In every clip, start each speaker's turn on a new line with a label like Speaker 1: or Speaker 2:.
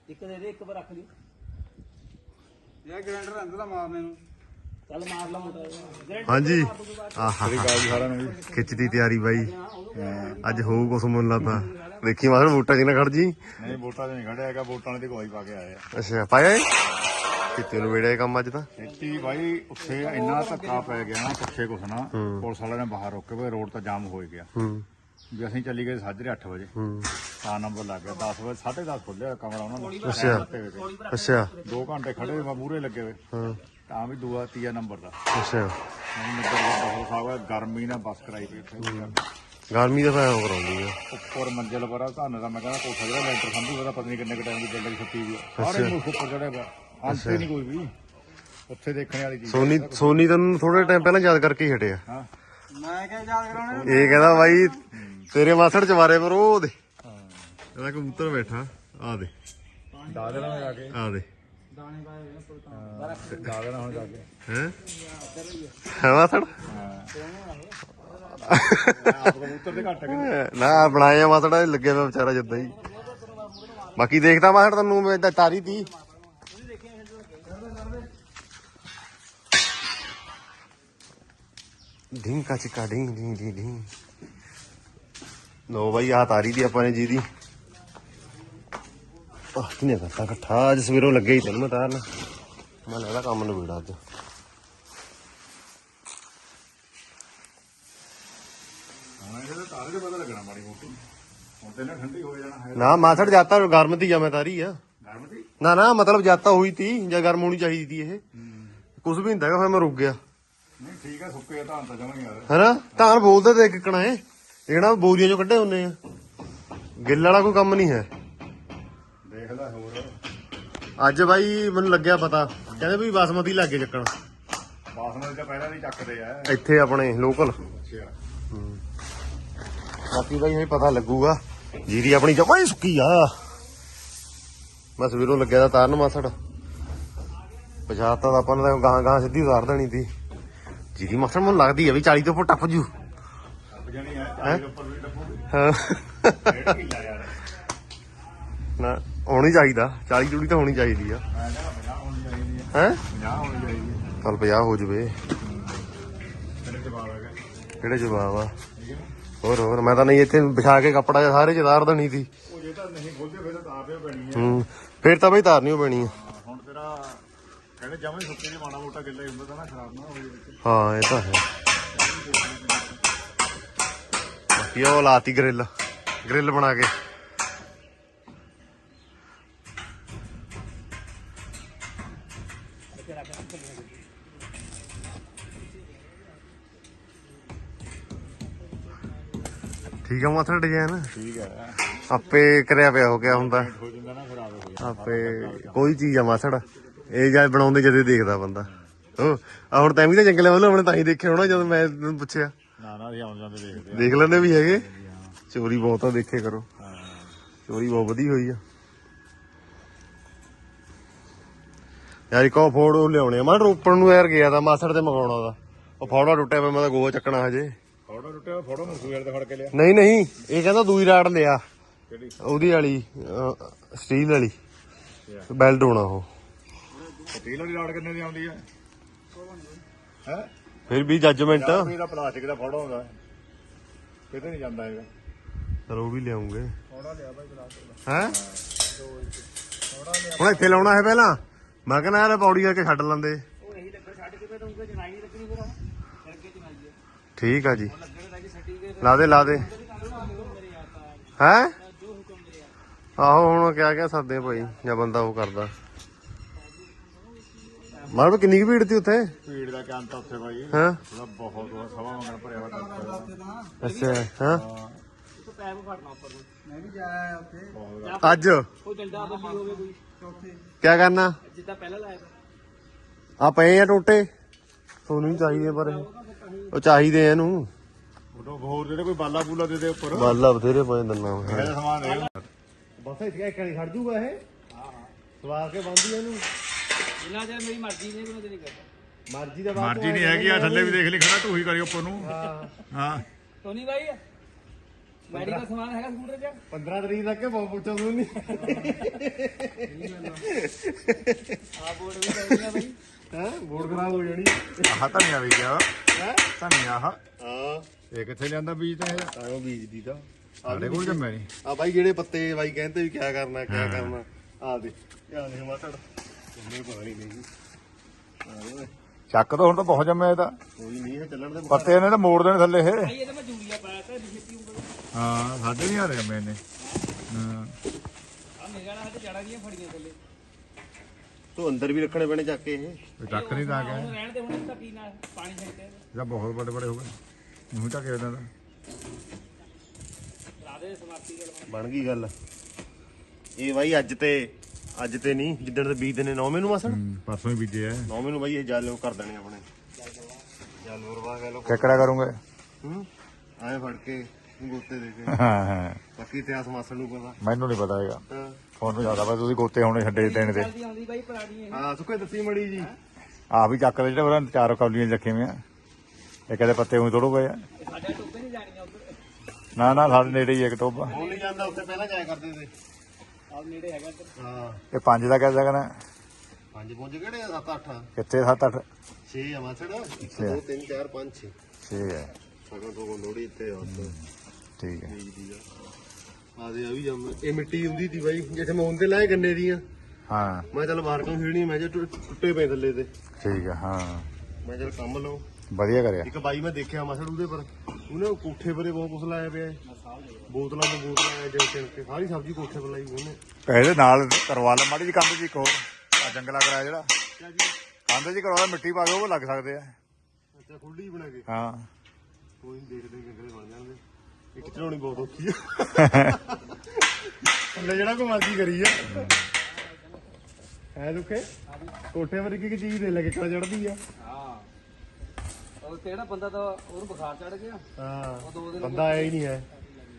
Speaker 1: ਇੱਕ ਦੇ ਦੇ ਇੱਕ ਵਾਰ ਰੱਖ ਲਈ
Speaker 2: ਯਾਰ ਗ੍ਰੈਂਡਰ ਅੰਦਰ ਮਾਰਨੇ ਨੂੰ
Speaker 1: ਚੱਲ ਮਾਰ ਲਾ ਮੋਟਾ
Speaker 3: ਹਾਂਜੀ ਆਹਾ ਖਿੱਚਦੀ ਤਿਆਰੀ ਬਾਈ ਅੱਜ ਹੋਊ ਕੁਛ ਮੁੱਲ ਤਾਂ ਦੇਖੀ ਮਾਸੜ ਵੋਟਾਂ ਚ ਨਾ ਖੜ ਜੀ
Speaker 4: ਨਹੀਂ ਵੋਟਾਂ 'ਚ ਨਹੀਂ ਖੜਿਆ ਹੈਗਾ ਵੋਟਾਂ ਦੀ ਗਵਾਹੀ ਪਾ ਕੇ ਆਏ ਆ
Speaker 3: ਅੱਛਾ ਪਾਇਆ ਕਿਤੇ ਨੂੰ ਵੇੜਿਆ ਕੰਮ ਅੱਜ ਤਾਂ
Speaker 4: ਖੇਤੀ ਬਾਈ ਉੱਥੇ ਇੰਨਾ ਧੱਕਾ ਪੈ ਗਿਆ ਨਾ ਪੁੱਛੇ ਕੁਛ ਨਾ ਪੁਲਿਸ ਵਾਲਿਆਂ ਨੇ ਬਾਹਰ ਰੋਕੇ ਵੇ ਰੋਡ ਤਾਂ ਜਾਮ ਹੋ ਗਿਆ ਵੀ ਅਸੀਂ ਚੱਲੀ ਗਏ ਸਾਜਰੇ 8 ਵਜੇ ਤਾਂ ਨੰਬਰ ਲੱਗ ਗਿਆ 10 ਵਜੇ 10:30 ਖੁੱਲਿਆ ਕਮਰਾ ਉਹਨਾਂ ਨੇ
Speaker 3: ਅੱਛਾ
Speaker 4: 2 ਘੰਟੇ ਖੜੇ ਮੂਹਰੇ ਲੱਗੇ ਵੇ ਤਾਂ ਵੀ ਦੂਆ ਤੀਆ ਨੰਬਰ ਦਾ
Speaker 3: ਅੱਛਾ
Speaker 4: ਬਹੁਤ ਸਾਵਾ ਗਰਮੀ ਨਾਲ ਬੱਸ ਕਰਾਈ ਪਈ ਉੱਥੇ
Speaker 3: ਗਰਮੀ ਦਾ ਫਾਇਦਾ ਕਰਾਉਂਦੀ ਆ
Speaker 4: ਉੱਪਰ ਮੰਜ਼ਿਲ ਪਰ ਤੁਹਾਨੂੰ ਤਾਂ ਮੈਂ ਕਹਿੰਦਾ ਕੋਠਾ ਜਿਹੜਾ ਲੈਂਟਰ ਸੰਭੂ ਉਹਦਾ ਪਤਾ ਨਹੀਂ ਕਿੰਨੇ ਕੁ ਟਾਈਮ ਦੀ ਬਿਲਡਿੰਗ ਛੱਤੀ ਵੀ ਸਾਰੇ ਮੁਲਕ ਉੱਪਰ ਚੜਿਆ ਪਿਆ ਅੰਤੇ ਨਹੀਂ ਕੋਈ ਵੀ ਉੱਥੇ ਦੇਖਣ ਵਾਲੀ ਚੀਜ਼
Speaker 3: ਸੋਨੀ ਤੈਨੂੰ ਥੋੜੇ ਟਾਈਮ ਪਹਿਲਾਂ ਯਾਦ ਕਰਕੇ ਹੀ ਹਟਿਆ
Speaker 4: ਹਾਂ
Speaker 2: ਮੈਂ ਕਿਹਾ ਯਾਦ ਕਰਾਉਣੇ
Speaker 3: ਇਹ ਕਹਿੰਦਾ ਬਾਈ ਤੇਰੇ ਮਾਸੜ ਚਵਾਰੇ ਪਰ ਉਹ ਦੇ ਇਹਦਾ ਕਬੂਤਰ ਬੈਠਾ ਆ ਦੇ
Speaker 4: ਦਾਦਰਾ ਹੋ ਜਾ ਕੇ
Speaker 3: ਆ ਦੇ
Speaker 2: ਦਾਣੇ ਪਾਏ ਹੋਏ ਨੇ
Speaker 4: ਦਾਦਰਾ ਹੁਣ ਜਾ ਕੇ
Speaker 3: ਹੈ ਮਾਸੜ
Speaker 4: ਆਪ ਕਬੂਤਰ ਦੇ ਘੱਟ ਗਏ
Speaker 3: ਨਾ ਬਣਾਇਆ ਮਾਸੜਾ ਲੱਗਿਆ ਪਿਆ ਵਿਚਾਰਾ ਜਿੱਦਾਂ ਹੀ ਬਾਕੀ ਦੇਖਦਾ ਮਾਸੜ ਤੈਨੂੰ ਮੈਂ ਤਾਂ ਤਾਰੀ ਤੀ ਢਿੰਗ ਕਾ ਚਿਕਾ ਢਿੰਗ ਢਿੰਗ ਢਿੰਗ ਢਿੰਗ ਲੋ ਬਾਈ ਆ ਤਾਰੀ ਦੀ ਆਪਾਂ ਨੇ ਜੀ ਦੀ ਆਹ ਕਿਨੇ ਕਰਤਾ ਇਕੱਠਾ ਅੱਜ ਸਵੇਰੋਂ ਲੱਗੇ ਹੀ ਤੈਨੂੰ ਮੈਂ ਤਾਰਨ ਮੈਂ ਲੱਗਦਾ ਕੰਮ ਨੂੰ ਵੀੜਾ ਅੱਜ
Speaker 4: ਤਾਰੇ ਦੇ ਪਤਾ ਲੱਗਣਾ ਮਾੜੀ ਮੋਟੀ ਹੁਣ ਤੇ ਨਾ ਠੰਡੀ ਹੋ ਜਾਣਾ ਹੈ
Speaker 3: ਨਾ ਮਾਸੜ ਜਾਤਾ ਗਰਮ ਤੀ ਜਾਂ ਮੈਂ ਤਾਰੀ ਆ
Speaker 4: ਗਰਮ ਦੀ
Speaker 3: ਨਾ ਨਾ ਮਤਲਬ ਜਾਤਾ ਹੋਈ ਤੀ ਜਾਂ ਗਰਮ ਹੋਣੀ ਚਾਹੀਦੀ ਤੀ ਇਹ ਕੁਝ ਵੀ ਹੁੰਦਾ ਫਿਰ ਮੈਂ ਰੁਕ ਗਿਆ
Speaker 4: ਨਹੀਂ ਠੀਕ ਹੈ ਸੁੱਕੇ ਧਾਨ ਤਾਂ ਜਮਾਂ ਯਾਰ
Speaker 3: ਹੈਨਾ ਧਾਨ ਬੋਲਦੇ ਤੇ ਕਿਕਣਾ ਏ ਜਿਹੜਾ ਬੋਰੀਆਂ ਚੋਂ ਕੱਢੇ ਹੁੰਨੇ ਆ ਗਿੱਲ ਵਾਲਾ ਕੋਈ ਕੰਮ ਨਹੀਂ ਹੈ
Speaker 4: ਦੇਖ ਲੈ ਹੋਰ
Speaker 3: ਅੱਜ ਬਾਈ ਮੈਨੂੰ ਲੱਗਿਆ ਪਤਾ ਕਹਿੰਦੇ ਵੀ ਬਾਸਮਤੀ ਲੱਗੇ ਚੱਕਣ
Speaker 4: ਬਾਸਮਤੀ ਤਾਂ ਪਹਿਲਾਂ ਨਹੀਂ ਚੱਕਦੇ ਆ
Speaker 3: ਇੱਥੇ ਆਪਣੇ ਲੋਕਲ
Speaker 4: ਅੱਛਾ
Speaker 3: ਬਾਕੀ ਬਾਈ ਇਹ ਪਤਾ ਲੱਗੂਗਾ ਜੀਰੀ ਆਪਣੀ ਜਮਾਂ ਹੀ ਸੁੱਕੀ ਆ ਮੈਂ ਸਵੇਰੋਂ ਲੱਗਿਆ ਤਾਂ ਤਾਰਨ ਮਾਸੜ ਪਛਾਤਾ ਤਾਂ ਆਪਾਂ ਨੇ ਤਾਂ ਗਾਂ ਗਾਂ ਸਿੱਧੀ ਉਤਾਰ ਦੇਣੀ ਤੀ ਜੀਰੀ ਮਾਸੜ ਮੈਨੂੰ ਲੱਗਦੀ ਆ ਵੀ 40 ਤੋਂ ਉੱਪਰ ਟੱਪ ਜੂ
Speaker 4: ਜਾਨੀ ਹੈ 40 ਉੱਪਰ ਵੀ ਡੱਬੂ
Speaker 3: ਹਾਂ
Speaker 4: 1.5 ਕਿੱਲਾ ਯਾਰ
Speaker 3: ਨਾ ਹੋਣੀ ਚਾਹੀਦਾ 40 ਜੁੜੀ ਤਾਂ ਹੋਣੀ ਚਾਹੀਦੀ ਆ
Speaker 4: ਮੈਂ ਕਹਿੰਦਾ 50 ਹੋਣੀ ਚਾਹੀਦੀ ਹੈ
Speaker 3: ਹੈ
Speaker 4: 50 ਹੋਣੀ ਚਾਹੀਦੀ ਹੈ
Speaker 3: ਚੱਲ 50 ਹੋ ਜਵੇ
Speaker 4: ਤੇਰੇ ਜਵਾਬ ਹੈਗਾ
Speaker 3: ਕਿਹੜੇ ਜਵਾਬ ਆ ਹੋਰ ਮੈਂ ਤਾਂ ਨਹੀਂ ਇੱਥੇ ਵਿਛਾ ਕੇ ਕੱਪੜਾ ਜਿਹਾ ਸਾਰੇ ਚ ਤਾਰ ਦੇਣੀ ਸੀ
Speaker 4: ਉਹ ਜੇ ਤਾਂ ਨਹੀਂ ਖੋਲਦੇ ਫਿਰ ਤਾਂ ਤਾਰਦੇ ਪੈਣੀ ਹੈ
Speaker 3: ਫਿਰ ਤਾਂ ਬਈ ਤਾਰਨੀ ਓ ਪੈਣੀ ਆ
Speaker 4: ਹੁਣ ਤੇਰਾ ਕਹਿੰਦੇ ਜਮਾਂ ਹੀ ਸੁੱਕੇ ਜੇ ਮਾੜਾ ਮੋਟਾ ਗਿੱਲਾ ਹੀ ਹੁੰਦਾ ਤਾਂ ਨਾ ਖਰਾਬ ਨਾ ਹੋਵੇ ਵਿੱਚ
Speaker 3: ਹਾਂ ਇਹ ਤਾਂ ਹੈ ਬਾਕੀ ਉਹ ਲਾਤੀ ਗ੍ਰਿਲ ਬਣਾ ਕੇ ਠੀਕ ਆ ਮਾਥਾ ਡਿਜ਼ਾਈਨ
Speaker 4: ਠੀਕ ਹੈ
Speaker 3: ਆਪੇ ਕਰਿਆ ਪਿਆ ਹੋ ਗਿਆ ਹੁੰਦਾ
Speaker 4: ਹੋ ਜਾਂਦਾ ਨਾ ਖਰਾਬ ਹੋ ਜਾਂਦਾ
Speaker 3: ਆਪੇ ਕੋਈ ਚੀਜ਼ ਆ ਮਾਸੜ ਇਹ ਜਦ ਬਣਾਉਂਦੇ ਜਦੇ ਦੇਖਦਾ ਬੰਦਾ ਉਹ ਆ ਹੁਣ ਤੈਂ ਵੀ ਤਾਂ ਜੰਗਲੇ ਵੱਲੋਂ ਆਪਣੇ ਤਾਂ ਹੀ ਦੇਖਿਆ ਹੋਣਾ ਜਦੋਂ ਮੈਂ ਤੈਨੂੰ ਪੁੱਛਿਆ
Speaker 4: ਨਾ ਅਸੀਂ ਆਉਂ ਜਾਂਦੇ ਦੇਖਦੇ
Speaker 3: ਦੇਖ ਲੈਂਦੇ ਵੀ ਹੈਗੇ ਚੋਰੀ ਬਹੁਤ ਆ ਦੇਖੇ ਕਰੋ ਚੋਰੀ ਬਹੁਤ ਵਧੀ ਹੋਈ ਆ ਯਾਰ ਇੱਕ ਉਹ ਫੋੜ ਉਹ ਲਿਆਉਣੇ ਆ ਮੈਂ ਰੋਪੜ ਨੂੰ ਯਾਰ ਗਿਆ ਤਾਂ ਮਾਸੜ ਤੇ ਮੰਗਾਉਣਾ ਦਾ ਉਹ ਫੋੜਾ ਟੁੱਟਿਆ ਪਿਆ ਮੈਂ ਤਾਂ ਗੋਆ ਚੱਕਣਾ ਹਜੇ
Speaker 4: ਫੋਟੋ ਟੁੱਟਿਆ ਫੋਟੋ ਮਸੂਰ ਤੇ ਫੜ ਕੇ ਲਿਆ
Speaker 3: ਨਹੀਂ ਇਹ ਕਹਿੰਦਾ ਦੂਈ ਰਾੜ ਲਿਆ
Speaker 4: ਕਿਹੜੀ
Speaker 3: ਉਹਦੀ ਵਾਲੀ ਸਟੀਲ ਵਾਲੀ ਬੈਲਟ ਹੋਣਾ ਉਹ
Speaker 4: ਸਟੀਲ ਵਾਲੀ ਰਾਡ ਕਿੰਨੇ ਦੀ ਆਉਂਦੀ ਹੈ ਹੈ
Speaker 3: ਫਿਰ ਵੀ ਜੱਜਮੈਂਟ
Speaker 4: ਇਹਦਾ ਪਲਾਸਟਿਕ ਦਾ ਫੋਟੋ ਹੁੰਦਾ ਕਿਤੇ ਨਹੀਂ ਜਾਂਦਾ ਹੈਗਾ
Speaker 3: ਚਲੋ ਉਹ ਵੀ ਲਿਆਉਂਗੇ
Speaker 2: ਥੋੜਾ ਲਿਆ ਭਾਈ ਪਲਾਸਟਿਕ
Speaker 3: ਹੈ ਹੁਣ ਇੱਥੇ ਲਾਉਣਾ ਹੈ ਪਹਿਲਾਂ ਮੈਂ ਕਹਿੰਦਾ ਯਾਰ ਪੌੜੀ ਕਰਕੇ ਛੱਡ ਲੈਂਦੇ
Speaker 1: ਉਹ ਇਹੀ ਲੱਗਾ ਛੱਡ ਕੇ ਫਿਰ ਉਂਗਲ ਜਨਾਈ ਨਹੀਂ ਲੱਗਣੀ ਫਿਰ ਕਰਕੇ ਜਨਾਈ ਹੈ
Speaker 3: ਠੀਕ ਆ ਜੀ
Speaker 1: ਲੱਗਣੇ ਤਾਂ ਜੀ ਸਰਟੀਫਿਕੇਟ
Speaker 3: ਲਾ ਦੇ ਹੈ
Speaker 1: ਜੋ ਹੁਕਮ ਮੇਰੇ
Speaker 3: ਆਹੋ ਹੁਣ ਕਿਆ ਸਕਦੇ ਭਾਈ ਜਾਂ ਬੰਦਾ ਉਹ ਕਰਦਾ ਮਾਰ ਕਿੰਨੀ ਕੁ ਭੀੜ ਤੀ ਉੱਥੇ
Speaker 4: ਭੀੜ ਦਾ ਕਿਆ ਅੰਤ ਉੱਥੇ ਬਾਈ
Speaker 3: ਹਾਂ
Speaker 4: ਥੋੜਾ ਬਹੁਤ ਸਵਾ ਮੰਗਣ ਭਰਿਆ ਵਾ ਡਾਕਟਰ
Speaker 3: ਅੱਛਾ ਹਾਂ
Speaker 1: ਤੋਂ ਪੈਪ ਫੜਨਾ ਉੱਪਰ ਨੂੰ
Speaker 2: ਮੈਂ ਵੀ ਜਾਇਆ ਉੱਥੇ
Speaker 3: ਅੱਜ
Speaker 1: ਉਹ ਡੰਡਾ ਬੱਲੀ ਹੋਵੇ ਕੋਈ
Speaker 2: ਚੌਥੇ
Speaker 3: ਕਿਆ ਕਰਨਾ
Speaker 1: ਜਿੱਦਾਂ ਪਹਿਲਾਂ ਲਾਇਆ
Speaker 3: ਆ ਪਏ ਆ ਟੋਟੇ ਤੁਹਾਨੂੰ ਨਹੀਂ ਚਾਹੀਦੇ ਪਰ ਉਹ ਚਾਹੀਦੇ ਆ ਇਹਨੂੰ
Speaker 4: ਉਦੋਂ ਹੋਰ ਜਿਹੜੇ ਕੋਈ ਬਾਲਾ ਬੂਲਾ ਦੇ ਉੱਪਰ
Speaker 3: ਬਾਲਾ ਬਥੇਰੇ ਪਏ ਦੰਨਾ
Speaker 4: ਇਹਦਾ ਸਮਾਨ ਦੇ
Speaker 3: ਬਸ ਇੱਥੇ ਇੱਕ ਨਹੀਂ ਖੜ ਜੂਗਾ ਇਹ ਹਾਂ ਸਵਾਰ ਕੇ ਬੰਦੀ ਇਹਨੂੰ
Speaker 1: ਜਿੰਨਾ ਚਿਰ ਮੇਰੀ ਮਰਜ਼ੀ ਨਹੀਂ ਮੈਂ ਤੇ ਨਹੀਂ ਕਰਦਾ
Speaker 3: ਮਰਜ਼ੀ ਦਾ
Speaker 4: ਮਰਜ਼ੀ ਨਹੀਂ ਹੈਗੀ ਆ ਥੱਲੇ ਵੀ ਦੇਖ ਲਈ ਖੜਾ ਢੂਹੀ ਕਰੀ ਉੱਪਰ ਨੂੰ ਹਾਂ
Speaker 1: ਟੋਨੀ ਭਾਈ ਮੈਡੀਕਲ ਸਮਾਨ ਹੈਗਾ ਸਕੂਟਰ 'ਚ
Speaker 3: 15 ਤਰੀਕ ਤੱਕ ਬਹੁਤ ਪੁੱਛੋ ਤੂੰ ਨਹੀਂ
Speaker 4: ਜਾਂਦਾ ਬੀਜ ਤਾਂ ਇਹ
Speaker 3: ਤਾਂ ਉਹ ਬੀਜਦੀ ਤਾਂ
Speaker 4: ਸਾਡੇ ਕੋਲ ਜੰਮਿਆ ਨਹੀਂ
Speaker 3: ਆ ਬਾਈ ਜਿਹੜੇ ਪੱਤੇ ਬਾਈ ਕਹਿੰਦੇ ਵੀ ਕਿਆ ਕਰਨਾ ਕਿਆ ਕਰਨਾ ਆ ਦੇ ਧਿਆਨ ਦੇ ਮਾਤੜ ਮੈਨੂੰ ਪਤਾ ਨਹੀਂ
Speaker 4: ਚੱਕ ਤਾਂ ਹੁਣ ਤਾਂ ਬਹੁਤ ਜੰਮਿਆ ਇਹ ਤਾਂ
Speaker 3: ਕੋਈ ਨਹੀਂ ਹੈ ਚੱਲਣ ਦੇ
Speaker 4: ਪੱਤੇ ਇਹਨੇ ਤਾਂ ਮੋੜ ਦੇਣੇ ਥੱਲੇ ਇਹ
Speaker 1: ਇਹ ਤਾਂ ਮੈਂ ਜੂਰੀਆ ਪਾਇਆ ਤਾਂ ਛੇਤੀ ਉਂਗਲ
Speaker 4: ਹਾਂ ਸਾਡੇ ਨਹੀਂ ਆ ਰਹੇ ਜੰਮੇ ਇਹਨੇ ਹਾਂ
Speaker 1: ਆ ਮੇਰੇ ਨਾਲ ਹੱਥ ਜੜਾ ਦੀਆਂ ਫੜੀਆਂ ਥੱਲੇ
Speaker 3: ਤੂੰ ਅੰਦਰ ਵੀ ਰੱਖਣੇ ਪੈਣੇ ਚੱਕ ਕੇ ਇਹ
Speaker 4: ਇਹ ਚੱਕ ਨਹੀਂ ਤਾਂ
Speaker 1: ਹੁਣ
Speaker 4: ਗਿਆ
Speaker 1: ਰਹਿਣ ਦੇ ਹੁਣ ਤਾਂ ਕੀ ਨਾਲ ਪਾਣੀ ਛੱਡਦੇ
Speaker 4: ਜਾਂ ਬਹੁਤ ਵੱਡੇ ਵੱਡੇ ਹੋ ਗਏ ਮੂੰਹ ਚੱਕ ਇਹਨਾਂ ਦਾ
Speaker 1: ਲਾ ਦੇ ਸਮਾਪਤੀ ਗੱਲ
Speaker 3: ਬਣ ਗਈ ਗੱਲ ਇਹ ਬਾਈ ਅੱਜ ਤੇ ਨਹੀਂ ਜਿੱਦਣ ਤੇ ਬੀਜਦੇ ਨੇ 9ਵੇਂ ਨੂੰ ਮਸਣ
Speaker 4: ਪਰਸੋਂ ਹੀ ਬੀਜੇ ਆ
Speaker 3: 9ਵੇਂ ਨੂੰ ਬਾਈ ਇਹ ਜਲ ਕਰ ਦੇਣੇ ਆਪਣੇ ਜਲ ਵਰਵਾ ਕਹਿ ਲੋ
Speaker 4: ਕਿਕੜਾ ਕਰੂੰਗੇ
Speaker 3: ਐਂ ਫੜ ਕੇ ਗੋਤੇ ਦੇ ਕੇ
Speaker 4: ਹਾਂ ਹਾਂ
Speaker 3: ਬਾਕੀ ਇਤਿਹਾਸ ਮਾਸੜ ਨੂੰ ਪਤਾ
Speaker 4: ਮੈਨੂੰ ਨਹੀਂ ਪਤਾ ਹੈਗਾ
Speaker 3: ਹਾਂ।
Speaker 4: ਤੁਹਾਨੂੰ ਜ਼ਿਆਦਾ ਪਤਾ ਤੁਸੀਂ ਗੋਤੇ ਹੋਣੇ ਛੱਡੇ ਦੇਣ ਦੇ
Speaker 1: ਜਲਦੀ ਆਉਂਦੀ ਬਾਈ ਪੁਰਾਣੀ ਇਹ
Speaker 3: ਹਾਂ ਸੁੱਕੇ ਦੱਸੀ ਮੜੀ ਜੀ
Speaker 4: ਆ ਵੀ ਚੱਕ ਲੈ ਜਿਹੜੇ ਉਹਨਾਂ ਚਾਰ ਕੌਲੀਆਂ 'ਚ ਰੱਖੇ ਹੋਏ ਆ ਇਹ ਕਦੇ ਪੱਤੇ ਉਹੀ ਤੋੜੋ ਗਏ ਆ
Speaker 1: ਸਾਡੇ ਟੋਬੇ ਨਹੀਂ ਜਾਣੀਆਂ ਉਧਰ
Speaker 4: ਨਾ ਸਾਡੇ ਨੇੜੇ ਹੀ ਇੱਕ ਟੋਬਾ
Speaker 3: ਹੁਣ ਨਹੀਂ ਜਾਂਦਾ ਉੱਥੇ ਪਹਿਲਾਂ ਜਾਇਆ ਕਰਦੇ ਤੇ
Speaker 1: ਆਹ ਨੇੜੇ ਹੈਗਾ ਇੱਧਰ
Speaker 3: ਹਾਂ
Speaker 4: ਇਹ 5 ਦਾ ਕਹਿ ਸਕਣਾ
Speaker 3: 5 ਪੁੰਜ ਕਿਹੜੇ 7 8
Speaker 4: ਕਿੱਥੇ 7 8
Speaker 3: 6 ਆ ਮਾਸੜ 1 2 3 4 5 6
Speaker 4: 6 ਹੈ
Speaker 3: ਸਗੋਂ ਤੋਂ ਲੋੜੀ ਤੇ ਉੱਥੇ
Speaker 4: ਠੀਕ ਹੈ
Speaker 3: ਬੀਜਦੀ ਆ ਦੇ ਆ ਵੀ ਜੰਮ ਇਹ ਮਿੱਟੀ ਹੁੰਦੀ ਸੀ ਬਾਈ ਜਿੱਥੇ ਮੈਂ ਹੁੰਦੇ ਲਾਏ ਗੰਨੇ ਦੀਆਂ
Speaker 4: ਹਾਂ
Speaker 3: ਮੈਂ ਚੱਲ ਬਾਹਰ ਕੰਮ ਫੇੜਨੀ ਮੈਂ ਜੇ ਟੁੱਟੇ ਪਏ ਥੱਲੇ ਤੇ
Speaker 4: ਠੀਕ ਹੈ ਹਾਂ
Speaker 3: ਮੈਂ ਚੱਲ ਕੰਮ ਲਓ
Speaker 4: ਵਧੀਆ ਕਰਿਆ
Speaker 3: ਇੱਕ ਬਾਈ ਮੈਂ ਦੇਖਿਆ ਮਸੜ ਉਹਦੇ ਪਰ ਉਹਨੇ ਕੋਠੇ ਪਰੇ ਬਹੁਤ ਕੁਛ ਲਾਇਆ ਪਿਆ ਬੋਤਲਾਂ ਜਿਵੇਂ ਚਿਣਕੇ ਸਾਰੀ ਸਬਜ਼ੀ ਕੋਠੇ ਪਰ ਲਾਈ ਉਹਨੇ
Speaker 4: ਇਹਦੇ ਨਾਲ ਕਰਵਾ ਲੈ ਮਾੜੀ ਜੀ ਕੰਧ ਜੀ ਇੱਕ ਹੋਰ ਆ ਜੰਗਲਾ ਕਰਾਇਆ ਜਿਹੜਾ ਕੰਧ ਜੀ ਕਰਵਾ ਲੈ ਮਿੱਟੀ ਪਾ ਕੇ ਉਹ ਲੱਗ ਸਕਦੇ ਆ
Speaker 3: ਅੱਛਾ ਖੁੱਲੀ ਬਣਾ ਕੇ
Speaker 4: ਹਾਂ
Speaker 3: ਕੋਈ ਨੀ ਦੇਖਦੇ ਜੰਗਲੇ ਬਣ ਜਾਣਗੇ ਇੱਕ ਚੜਾਉਣੀ ਬਹੁਤ ਔਖੀ ਆ ਥੱਲੇ ਜਿਹੜਾ ਕੋ ਮਰਜ਼ੀ ਕਰੀ ਆ ਹੈ ਦੁੱਖੇ ਕੋਠੇ ਪਰ ਕੀ ਚੀਜ਼ ਦੇ ਲੈ ਕੇ ਕਿਹੜਾ ਚੜਦੀ ਆ
Speaker 1: ਹਾਂ ਉਹ ਕਿਹੜਾ ਬੰਦਾ ਤਾਂ ਉਹਨੂੰ ਬੁਖਾਰ ਚੜ ਗਿਆ
Speaker 3: ਹਾਂ
Speaker 1: ਉਹ 2 ਦਿਨ
Speaker 3: ਬੰਦਾ ਆਇਆ ਹੀ ਨਹੀਂ ਹੈ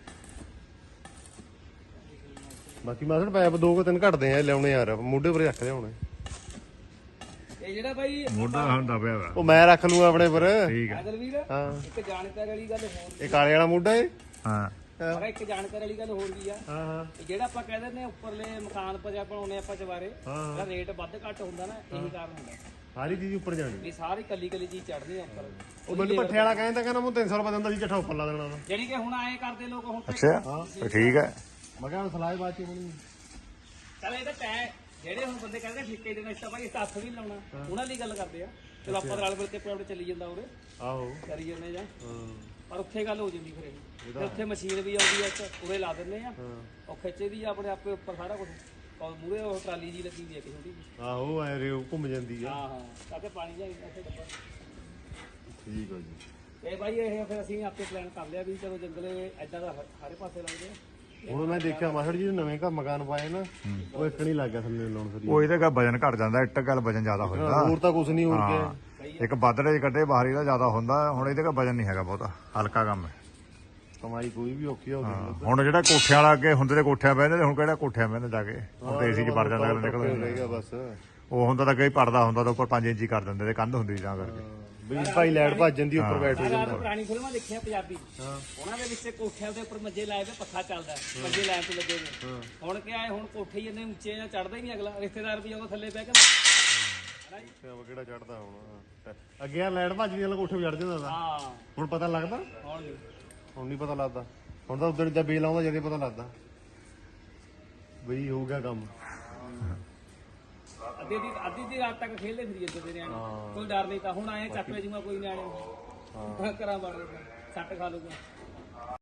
Speaker 3: ਬਾਕੀ ਮਾਸੜ ਪੈਪ 2-3 ਘਟਦੇ ਆ ਲਿਆਉਣੇ ਯਾਰ ਮੋਢੇ ਪਰ ਰੱਖ ਲਿਆਉਣੇ
Speaker 1: ਇਹ ਜਿਹੜਾ ਬਾਈ
Speaker 4: ਮੋਢਾ ਹੁੰਦਾ ਪਿਆ ਵਾ
Speaker 3: ਉਹ ਮੈਂ ਰੱਖ ਲੂੰਗਾ ਆਪਣੇ ਪਰ
Speaker 4: ਠੀਕ ਹੈ
Speaker 1: ਅਗਲਵੀਰ
Speaker 3: ਹਾਂ
Speaker 1: ਇੱਕ ਜਾਣਕਾਰੀ ਵਾਲੀ ਗੱਲ ਹੋਰ
Speaker 3: ਇਹ ਕਾਲੇ ਵਾਲਾ ਮੋਢਾ ਏ
Speaker 4: ਹਾਂ
Speaker 1: ਪਰ ਇੱਕ ਜਾਣਕਾਰੀ ਵਾਲੀ ਗੱਲ ਹੋਰ ਵੀ ਆ
Speaker 3: ਹਾਂ ਹਾਂ
Speaker 1: ਇਹ ਜਿਹੜਾ ਆਪਾਂ ਕਹਿੰਦੇ ਨੇ ਉੱਪਰਲੇ ਮਕਾਨ ਪਰ ਜਾਂ ਬਣਾਉਣੇ ਆਪਾਂ ਚਵਾਰੇ ਜਿਹੜਾ ਰੇਟ ਵੱਧ ਘੱਟ ਹੁੰਦਾ ਨਾ ਇਹੀ ਕਾਰਨ ਹੁੰਦਾ
Speaker 3: ਸਾਰੀ ਚੀਜ਼ ਉੱਪਰ ਜਾਣੀ
Speaker 1: ਵੀ ਸਾਰੀ ਕੱਲੀ ਚੀਜ਼ ਚੜਨੀ ਆ ਉੱਪਰ
Speaker 3: ਉਹ ਮੈਨੂੰ ਪੱਠੇ ਵਾਲਾ ਕਹਿੰਦਾ ਮੈਂ 300 ਰੁਪਏ ਦਿੰਦਾ ਸੀ ਚੱਠਾ ਉੱਪਰ ਲਾ ਦੇਣਾ
Speaker 1: ਜਿਹੜੀ ਕਿ ਹੁਣ ਆਏ ਕਰਦੇ ਲੋਕ ਹੁਣ ਤੇ
Speaker 4: ਅੱਛਾ ਫਿਰ ਠੀਕ ਹੈ
Speaker 3: ਮੈਂ ਕਿਹਾ ਸਲਾਹ ਬਾਤ ਚ ਹੋਣੀ
Speaker 1: ਚੱਲ ਇਹ ਤਾਂ ਤੈ ਜਿਹੜੇ ਹੁਣ ਬੰਦੇ ਕਹਿੰਦੇ ਠੇਕੇ ਦੇਣਾ ਇਸ ਤਾਂ ਭਾਈ ਹੱਥ ਵੀ ਨੀ ਲਾਉਣਾ ਉਹਨਾਂ ਲਈ ਗੱਲ ਕਰਦੇ ਆ ਚਲੋ ਆਪਾਂ ਰਲ ਮਿਲ ਕੇ ਪ੍ਰੋਡਕਟ ਚੱਲੀ ਜਾਂਦਾ ਉਰੇ
Speaker 3: ਆਹੋ
Speaker 1: ਕਰੀ ਜਾਂਦੇ ਜਾਂ ਪਰ ਉੱਥੇ ਗੱਲ ਹੋ ਜਾਂਦੀ ਫਿਰ ਇਹ ਤੇ ਉੱਥੇ ਮਸ਼ੀਨ ਵੀ ਆਉਂਦੀ ਆ ਇੱਕ ਉਰੇ ਲਾ ਦਿੰਦੇ ਆ ਉਹ ਖਿੱਚਦੀ ਆ ਆਪਣੇ ਆਪੇ ਉੱਪਰ ਸਾਰਾ ਕੁਝ ਔਰ ਮੂਰੇ ਉਹ ਟਰਾਲੀ ਜੀ ਲੱਗੀ ਵੀ ਆ ਕਿਸੇ ਛੋਟੀ ਜਿਹੀ
Speaker 3: ਆਹੋ ਐ ਰੇ ਘੁੰਮ ਜਾਂਦੀ ਆ
Speaker 1: ਹਾਂ ਹਾਂ ਤਾਂ ਕਿ ਪਾਣੀ ਜਾਈ ਇੱਥੇ ਡੱਬਾ
Speaker 3: ਠੀਕ ਆ ਜੀ
Speaker 1: ਇਹ ਭਾਈ ਇਹ ਫਿਰ ਅਸੀਂ ਆਪੇ ਪਲਾਨ ਕਰ ਲਿਆ ਵੀ ਚਲੋ ਜੰਗਲੇ ਐਦਾਂ ਦਾ ਸਾਰੇ ਪਾਸੇ ਲੱਗਦੇ ਆ
Speaker 3: ਹੁਣ ਮੈਂ ਦੇਖਿਆ ਮਾਸੜ ਜੀ ਨਵੇਂ ਘਰ ਮਕਾਨ ਪਾਏ ਨਾ ਉਹ ਇੱਕ ਨਹੀਂ ਲੱਗ ਗਿਆ ਥੱਲੇ ਲਾਉਣ ਫਿਰ
Speaker 4: ਉਹ ਇਹਦੇ ਕਾ ਵਜਨ ਘਟ ਜਾਂਦਾ ਇੱਟ ਗੱਲ ਵਜਨ ਜ਼ਿਆਦਾ ਹੋ ਜਾਂਦਾ
Speaker 3: ਹੋਰ ਤਾਂ ਕੁਝ ਨਹੀਂ ਹੋਰ
Speaker 4: ਹਾਂ ਇੱਕ ਬਾਦਲੇ ਕੱਢੇ ਬਾਹਰ ਇਹਦਾ ਜ਼ਿਆਦਾ ਹੁੰਦਾ ਹੁਣ ਇਹਦੇ ਕਾ ਵਜਨ ਨਹੀਂ ਹੈਗਾ ਬਹੁਤਾ ਹਲਕਾ ਕੰਮ ਹੈ
Speaker 3: ਕਮਾਈ ਕੋਈ ਵੀ ਔਖੀ ਹੋ ਗਈ
Speaker 4: ਹੁਣ ਜਿਹੜਾ ਕੋਠਿਆਂ ਵਾਲਾ ਅੱਗੇ ਹੁੰਦੇ ਤੇ ਕੋਠਿਆਂ ਬਹਿੰਦੇ ਹੁਣ ਕਿਹੜਾ ਕੋਠਿਆਂ ਬਹਿੰਦੇ ਜਾ ਕੇ ਹੁਣ ਤੇ ਏਸੀ 'ਚ ਵੜ ਜਾਂਦਾ ਨਿਕਲ
Speaker 3: ਰਹੇਗਾ ਬਸ
Speaker 4: ਉਹ ਹੁੰਦਾ ਤਾਂ ਕਈ ਪੜਦਾ ਹੁੰਦਾ ਤਾਂ ਉੱਪਰ 5 ਇੰਚੀ ਕਰ ਦਿੰਦੇ ਤੇ ਕੰਧ ਹੁੰਦੀ ਤਾਂ ਕਰਕੇ
Speaker 3: ਵੀ ਭਾਈ ਲਾਈਟ ਭੱਜ ਜਾਂਦੀ ਉੱਪਰ ਬੈਠ ਹੋ ਜਾਂਦਾ
Speaker 1: ਪੁਰਾਣੀ ਫਿਲਮਾਂ ਦੇਖੀਆਂ ਪੰਜਾਬੀ ਉਹਨਾਂ ਦੇ ਵਿੱਚ ਕੋਠਿਆਂ ਦੇ ਉੱਪਰ ਮੰਜੇ ਲਾਏ ਤੇ ਪੱਖਾ ਚੱਲਦਾ ਮੰਜੇ ਲਾਈਨ ਤੇ ਲੱਗੇ ਨੇ ਹੁਣ ਕੀ ਆਏ ਹੁਣ ਕੋਠੇ ਹੀ ਇੰਨੇ ਉੱਚੇ ਆ ਚੜਦਾ ਹੀ ਨਹੀਂ ਅਗਲਾ ਰਿਸ਼ਤੇਦਾਰ ਵੀ ਆਉਂਦਾ ਥੱਲੇ ਬਹਿ ਕੇ
Speaker 3: ਕਿਹੜਾ ਚੜਦਾ ਹੁਣ ਅੱਗੇ ਆ ਲਾਈਟ ਭੱਜਦੀ ਵਾਲਾ ਕੋਠੇ ਚੜ ਜਾਂਦਾ
Speaker 1: ਹਾਂ
Speaker 3: ਹੁਣ ਪਤਾ ਲੱਗਦਾ
Speaker 1: ਹੁਣ ਨੀ।
Speaker 3: ਹੁਣ ਨਹੀਂ ਪਤਾ ਲੱਗਦਾ ਹੁਣ ਤਾਂ ਉਧਰ ਜਦ ਬੇਲ ਆਉਂਦਾ ਜਦੇ ਪਤਾ ਲੱਗਦਾ ਬਈ ਹੋ ਗਿਆ ਕੰਮ
Speaker 1: ਅੱਧੀ ਦੀ ਰਾਤ ਤੱਕ ਖੇਲਦੇ ਫਿਰੀ ਜਾਂਦੇ ਤੇ ਨਿਆਣੇ ਕੋਈ ਡਰ ਨਹੀਂ ਤਾਂ ਹੁਣ ਆਏ ਚੱਕ ਲੈ ਜੂਗਾ ਕੋਈ ਨਿਆਣੇ ਕਰਾਂ ਬੜ ਸੱਟ ਖਾ ਲੂਗਾ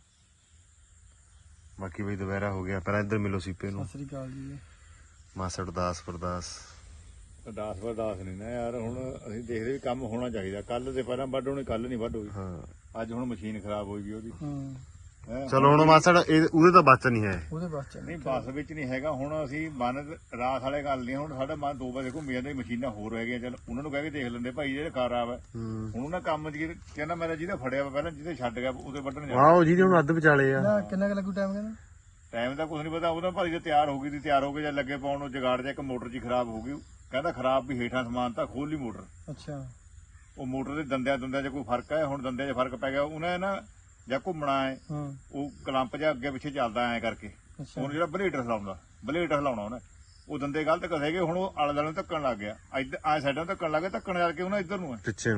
Speaker 3: ਬਾਕੀ ਬਈ ਦੁਪਹਿਰਾ ਹੋ ਗਿਆ ਪਹਿਲਾਂ ਇੱਧਰ ਮਿਲੋ ਸੀਪੇ ਨੂੰ
Speaker 1: ਸਤਿ ਸ੍ਰੀ ਅਕਾਲ ਜੀ
Speaker 3: ਮਾਸੜ ਦਾਸ ਪਰਦਾਸ
Speaker 4: 10 ਪਰ 10 ਨਹੀਂ ਨਾ ਯਾਰ ਹੁਣ ਅਸੀਂ ਦੇਖਦੇ ਵੀ ਕੰਮ ਹੋਣਾ ਚਾਹੀਦਾ ਕੱਲ ਤੇ ਪਹਿਲਾਂ ਵੱਢ ਹੋਣੀ ਕੱਲ ਨਹੀਂ ਵੱਢ ਹੋਈ
Speaker 3: ਹਾਂ
Speaker 4: ਅੱਜ ਹੁਣ ਮਸ਼ੀਨ ਖਰਾਬ ਹੋਈ ਗਈ ਉਹਦੀ ਹੈਂ।
Speaker 3: ਚਲੋ ਹੁਣ ਮਾਸੜ ਉਹਦੇ ਤਾਂ ਬਚ ਨਹੀਂ ਹੈ
Speaker 1: ਉਹਦੇ ਬਾਅਦ
Speaker 4: ਨਹੀਂ ਬੱਸ ਵਿੱਚ ਨਹੀਂ ਹੈਗਾ ਹੁਣ ਅਸੀਂ ਮਨ ਰਾਤ ਵਾਲੇ ਗੱਲ ਨਹੀਂ ਹੁਣ ਸਾਡਾ ਮਨ 2 ਵਜੇ ਘੁੰਮੀ ਜਾਂਦਾ ਮਸ਼ੀਨਾਂ ਹੋਰ ਹੈਗੀਆਂ ਚੱਲ ਉਹਨਾਂ ਨੂੰ ਕਹਿ ਕੇ ਦੇਖ ਲੈਂਦੇ ਭਾਈ ਜਿਹੜੇ ਖਰਾਬ ਹੈ ਹੁਣ ਉਹਨਾਂ ਕੰਮ ਚ ਕਹਿੰਦਾ ਮੇਰਾ ਜਿਹਦਾ ਫੜਿਆ ਵਾ ਪਹਿਲਾਂ ਜਿਹਦੇ ਛੱਡ ਗਿਆ ਉਹਦੇ ਵੱਢਣ ਜਾ
Speaker 3: ਆਹੋ ਜਿਹਦੇ ਹੁਣ ਅੱਧ ਵਿਚਾਲੇ ਆ
Speaker 1: ਕਿੰਨਾ ਕੁ ਲੱਗੂ ਟਾਈਮ ਕਹਿੰਦਾ
Speaker 4: ਟਾਈਮ ਦਾ ਕੁਝ ਨਹੀਂ ਪਤਾ ਉਹਦਾ ਭਾਈ ਜੇ ਤਿਆਰ ਹੋ ਗਈ ਤੇ ਤਿਆਰ ਹੋ ਕੇ ਜਾਂ ਲੱਗੇ ਪਾਉਣ ਨੂੰ ਜਗਾੜ ਜਾ ਇੱਕ ਮੋਟਰ ਜੀ ਖਰਾਬ ਹੋ ਗਈ ਕਹਿੰਦਾ ਖਰਾਬ ਵੀ ਹੇਠਾਂ ਸਮਾਨ ਤਾਂ ਖੋਲ ਲਈ ਮੋਟਰ
Speaker 1: ਅੱਛਾ
Speaker 4: ਉਹ ਮੋਟਰ ਦੇ ਦੰਦਿਆਂ 'ਚ ਕੋਈ ਫਰਕ ਹੈ ਹੁਣ ਦੰਦਿਆਂ 'ਚ ਫਰਕ ਪੈ ਗਿਆ ਉਹਨੇ ਨਾ ਜਾਂ ਘੁੰਮਣਾ ਹੈ ਉਹ ਕਲੰਪ ਜਾਂ ਅੱਗੇ ਪਿੱਛੇ ਚੱਲਦਾ ਐ ਕਰਕੇ ਹੁਣ ਜਿਹੜਾ ਬਲੇਡ ਹਿਲਾਉਣਾ ਉਹਨੇ ਉਹ ਦੰਦੇ ਗਲਤ ਕਸੇਗੇ ਹੁਣ ਉਹ ਆਲੇ ਦੁਆਲੇ ਨੂੰ ਧੱਕਣ ਲੱਗ ਗਿਆ ਇੱਧਰ ਆ ਸਾਈਡਾਂ ਨੂੰ ਧੱਕਣ ਲੱਗ ਗਿਆ ਧੱਕਣ ਕਰਕੇ ਉਹਨਾਂ ਇੱਧਰ ਨੂੰ ਹੈ
Speaker 3: ਪਿੱਛੇ ਨੂੰ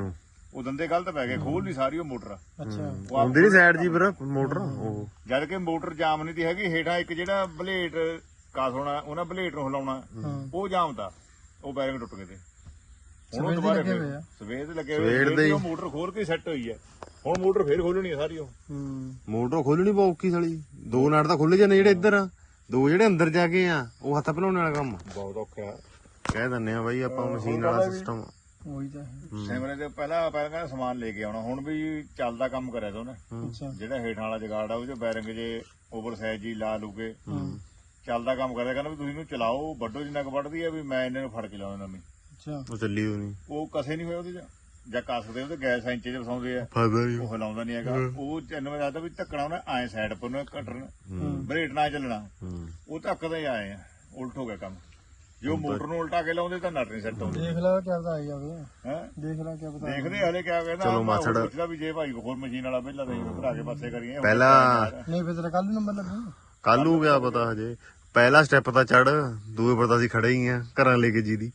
Speaker 4: ਉਹ ਦੰਦੇ ਗਲਤ ਪੈ ਗਏ, ਖੋਲ ਨਹੀਂ ਸਾਰੀ ਉਹ ਮੋਟਰ।
Speaker 2: ਅੱਛਾ
Speaker 3: ਆਉਂਦੀ ਨਹੀਂ ਸਾਈਡ ਜੀ ਪਰ ਮੋਟਰ ਉਹ
Speaker 4: ਜਦ ਕਿ ਮੋਟਰ ਜਾਮ ਨਹੀਂ ਤੀ ਹੈਗੀ, ਹੇਠਾਂ ਇੱਕ ਜਿਹੜਾ ਬਲੇਟ ਕਾਸ ਹੋਣਾ ਉਹਨਾਂ ਬਲੇਟ ਨੂੰ ਹਿਲਾਉਣਾ ਉਹ ਜਾਮ ਤਾ, ਉਹ ਬੈਰਿੰਗ ਟੁੱਟ ਗਏ ਤੇ ਹੁਣ ਉਹ ਦੁਬਾਰਾ ਸਵੇਰ ਲੱਗੇ ਹੋਏ, ਉਹ ਮੋਟਰ ਖੋਲ ਕੇ ਸੈੱਟ ਹੋਈ ਹੈ। ਹੁਣ ਮੋਟਰ ਫੇਰ ਖੋਲਣੀ ਹੈ ਸਾਰੀ ਉਹ।
Speaker 3: ਮੋਟਰ ਖੋਲਣੀ ਬਹੁਤ ਔਖੀ ਸਾਲੀ, 2 ਨਟ ਤਾਂ ਖੁੱਲ ਜਾਂਦੇ ਜਿਹੜੇ ਇੱਧਰ ਆ, 2 ਜਿਹੜੇ ਅੰਦਰ ਜਾ ਕੇ ਆ ਉਹ ਹੱਥ ਭਲਾਉਣ ਵਾਲਾ ਕੰਮ
Speaker 4: ਬਹੁਤ ਔਖਾ।
Speaker 3: ਕਹਿ ਦਿੰਨੇ ਆ ਬਾਈ ਆਪਾਂ ਮਸ਼ੀਨ ਵਾਲਾ ਸਿਸਟਮ।
Speaker 2: ਉਹੀ ਤਾਂ
Speaker 4: ਸਿਮਰੇ ਦੇ ਪਹਿਲਾਂ ਕਹਿੰਦਾ ਸਮਾਨ ਲੈ ਕੇ ਆਉਣਾ, ਹੁਣ ਵੀ ਚੱਲਦਾ ਕੰਮ ਕਰਿਆ ਤਾ ਉਹਨੇ। ਜਿਹੜਾ ਹੇਠਾਂ ਵਾਲਾ ਜਗਾੜ ਆ ਉਹ ਚ ਬੈਰਿੰਗ ਜੇ ਓਵਰ ਸਾਈਜ਼ ਜੀ ਲਾ ਲੂਗੇ, ਚੱਲਦਾ ਕੰਮ ਕਰਿਆ। ਕਹਿੰਦਾ ਵੀ ਤੁਸੀਂ ਇਹਨੂੰ ਚਲਾਓ, ਵੱਡੋ ਜਿੰਨਾ ਕੁ ਵੱਢਦੀ ਆ ਵੀ ਮੈਂ ਇਹਨਾਂ ਨੂੰ ਫੜ ਕੇ ਲਾਉਣਾ ਨਵੀਂ।
Speaker 2: ਅੱਛਾ
Speaker 3: ਉਹ ਚੱਲੀ ਉਹ ਨਹੀਂ,
Speaker 4: ਉਹ ਕਸੇ ਨਹੀਂ ਹੋਇਆ ਉਹਦੇ ਚ, ਜਾਂ ਕੱਸਦੇ ਉਹਦੇ ਗੈਸ ਇੰਚੇ ਚ ਫਸਾਉਂਦੇ ਆ,
Speaker 3: ਫਾਇਦਾ ਹੀ
Speaker 4: ਉਹ ਹਿਲਾਉਂਦਾ ਨਹੀਂ ਹੈਗਾ। ਉਹ ਚੰਨ ਮੈਂ ਦੱਸਦਾ ਵੀ ਧੱਕਣਾ ਉਹਨੇ ਐ ਸਾਈਡ ਪਰ ਉਹਨੇ ਕੱਟਣ, ਬਰੇਟ ਨਾ ਚੱਲਣਾ, ਉਹ ਧੱਕਦੇ ਆਏ ਆ, ਉਲਟ ਹੋ ਗਿਆ ਕੰਮ। ਜੋ ਮੋਟਰ ਨੂੰ ਉਲਟਾ ਕੇ ਲਾਉਂਦੇ ਤਾਂ ਨਟ ਨਹੀਂ ਸੈੱਟ ਹੁੰਦੇ।
Speaker 2: ਦੇਖ ਲੈ ਕਿਆ ਪਤਾ ਆ ਜਾਵੇ,
Speaker 4: ਹੈ
Speaker 2: ਦੇਖ ਲੈ ਕਿਆ ਪਤਾ।
Speaker 4: ਦੇਖਦੇ ਹਲੇ ਕਿਆ ਕਹਿੰਦਾ।
Speaker 3: ਚਲੋ ਮਾਸੜ
Speaker 4: ਪੁੱਛਦਾ ਵੀ ਜੇ ਭਾਈ ਹੋਰ ਮਸ਼ੀਨ ਵਾਲਾ ਪਹਿਲਾਂ ਤਾਂ ਭਰਾ ਕੇ ਪਾਸੇ ਕਰੀਏ
Speaker 3: ਪਹਿਲਾਂ
Speaker 2: ਨਹੀਂ ਫਿਰ ਤੇਰਾ ਕੱਲ ਨੂੰ ਨੰਬਰ ਲੱਗੂ।
Speaker 3: ਕੱਲ ਨੂੰ ਗਿਆ ਪਤਾ ਹਜੇ, ਪਹਿਲਾ ਸਟੈਪ ਤਾਂ ਚੜ, ਦੂਏ ਪਰ ਤਾਂ ਅਸੀਂ ਖੜੇ ਹੀ ਆ ਘਰਾਂ ਲੈ ਕੇ ਜੀ ਦੀ,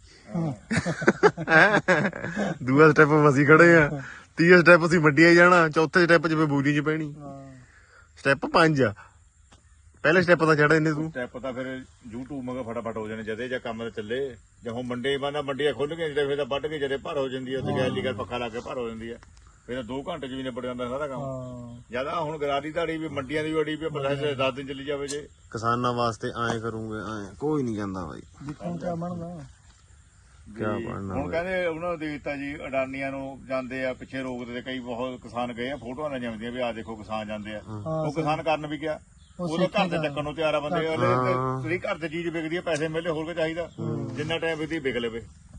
Speaker 3: ਦੂਆ ਸਟੈਪ ਅਸੀਂ ਖੜੇ ਆ, ਤੀਆ ਸਟੈਪ ਅਸੀਂ ਵੱਡਿਆ ਹੀ ਜਾਣਾ, ਚੌਥੇ ਸਟੈਪ 'ਚ ਬੂਜੀ 'ਚ ਪੈਣੀ। ਸਟੈਪ 5 ਆ, ਪਹਿਲੇ ਸਟੈਪ ਤਾਂ ਚੜਾ ਇਹਨੇ ਤੂੰ।
Speaker 4: ਸਟੈਪ ਤਾਂ ਫਿਰ YouTube ਮਗਾ ਫਟਾਫਟ ਹੋ ਜਾਣੇ ਜਦੇ ਜਾਂ ਕੰਮ ਤੇ ਚੱਲੇ, ਜਾਂ ਹੁਣ ਮੰਡੇ ਬਾਨਾ ਮੰਡੀਆਂ ਖੁੱਲ ਗਈਆਂ ਜਿਹੜੇ, ਫਿਰ ਤਾਂ ਵੱਢ ਕੇ ਜਦੇ ਭਰ ਹੋ ਜਾਂਦੀ ਹੈ, ਉੱਥੇ ਗੈਲੀ ਕਰ ਪੱਖਾ ਲਾ ਕੇ ਭਰ ਹੋ ਜਾਂਦੀ ਹੈ, ਫਿਰ 2 ਘੰਟੇ 'ਚ ਵੀ ਨਿਬੜ ਜਾਂਦਾ ਸਾਰਾ ਕੰਮ। ਜਿਆਦਾ ਹੁਣ ਗਰਾਰੀ ਧਾੜੀ ਵੀ ਮੰਡੀਆਂ ਦੀ ਬੜੀ ਵੀ 10 ਦਿਨ ਚੱਲੀ ਜਾਵੇ ਜੇ।
Speaker 3: ਕਿਸਾਨਾਂ ਵਾਸਤੇ ਐਂ ਕਰੂੰਗੇ, ਐਂ ਕੋਈ ਨਹੀਂ ਕਹਿੰਦਾ ਬਾਈ,
Speaker 2: ਦੇਖੋ ਕਿਆ ਬਣਦਾ
Speaker 3: ਕਿਆ ਬਣਨਾ।
Speaker 4: ਹੁਣ ਕਹਿੰਦੇ ਉਹਨਾਂ ਨੂੰ ਦੇ ਦਿੱਤਾ ਜੀ, ਅਡਾਨੀਆਂ ਨੂੰ ਜਾਂਦੇ ਆ ਪਿੱਛੇ ਰੋਕਦੇ, ਕਈ ਬਹੁਤ ਕਿਸਾਨ ਗਏ ਆ, ਫੋਟੋਆਂ ਲੈ ਜਾਂਦੀਆਂ ਵੀ ਆਹ ਦੇਖੋ ਕਿਸਾਨ ਜਾਂਦੇ ਆ। ਉਹ ਕਿਸਾਨ ਕਰਨ ਵੀ ਗਿਆ, ਉਹਦਾ ਘਰ ਦੇ ਚੱਕਣ ਨੂੰ ਤਿਆਰ ਆ ਬੰਦੇ। ਤੁਸੀਂ ਘਰ ਤੇ ਚੀਜ਼ ਵਿਕਦੀ ਆ, ਪੈਸੇ ਮਿਲੇ, ਹੋਰ ਕੀ ਚਾਹੀਦਾ। ਜਿੰਨਾ ਟਾਈਮ ਵਿਕਦੀ ਵਿਕ ਲਵੇ।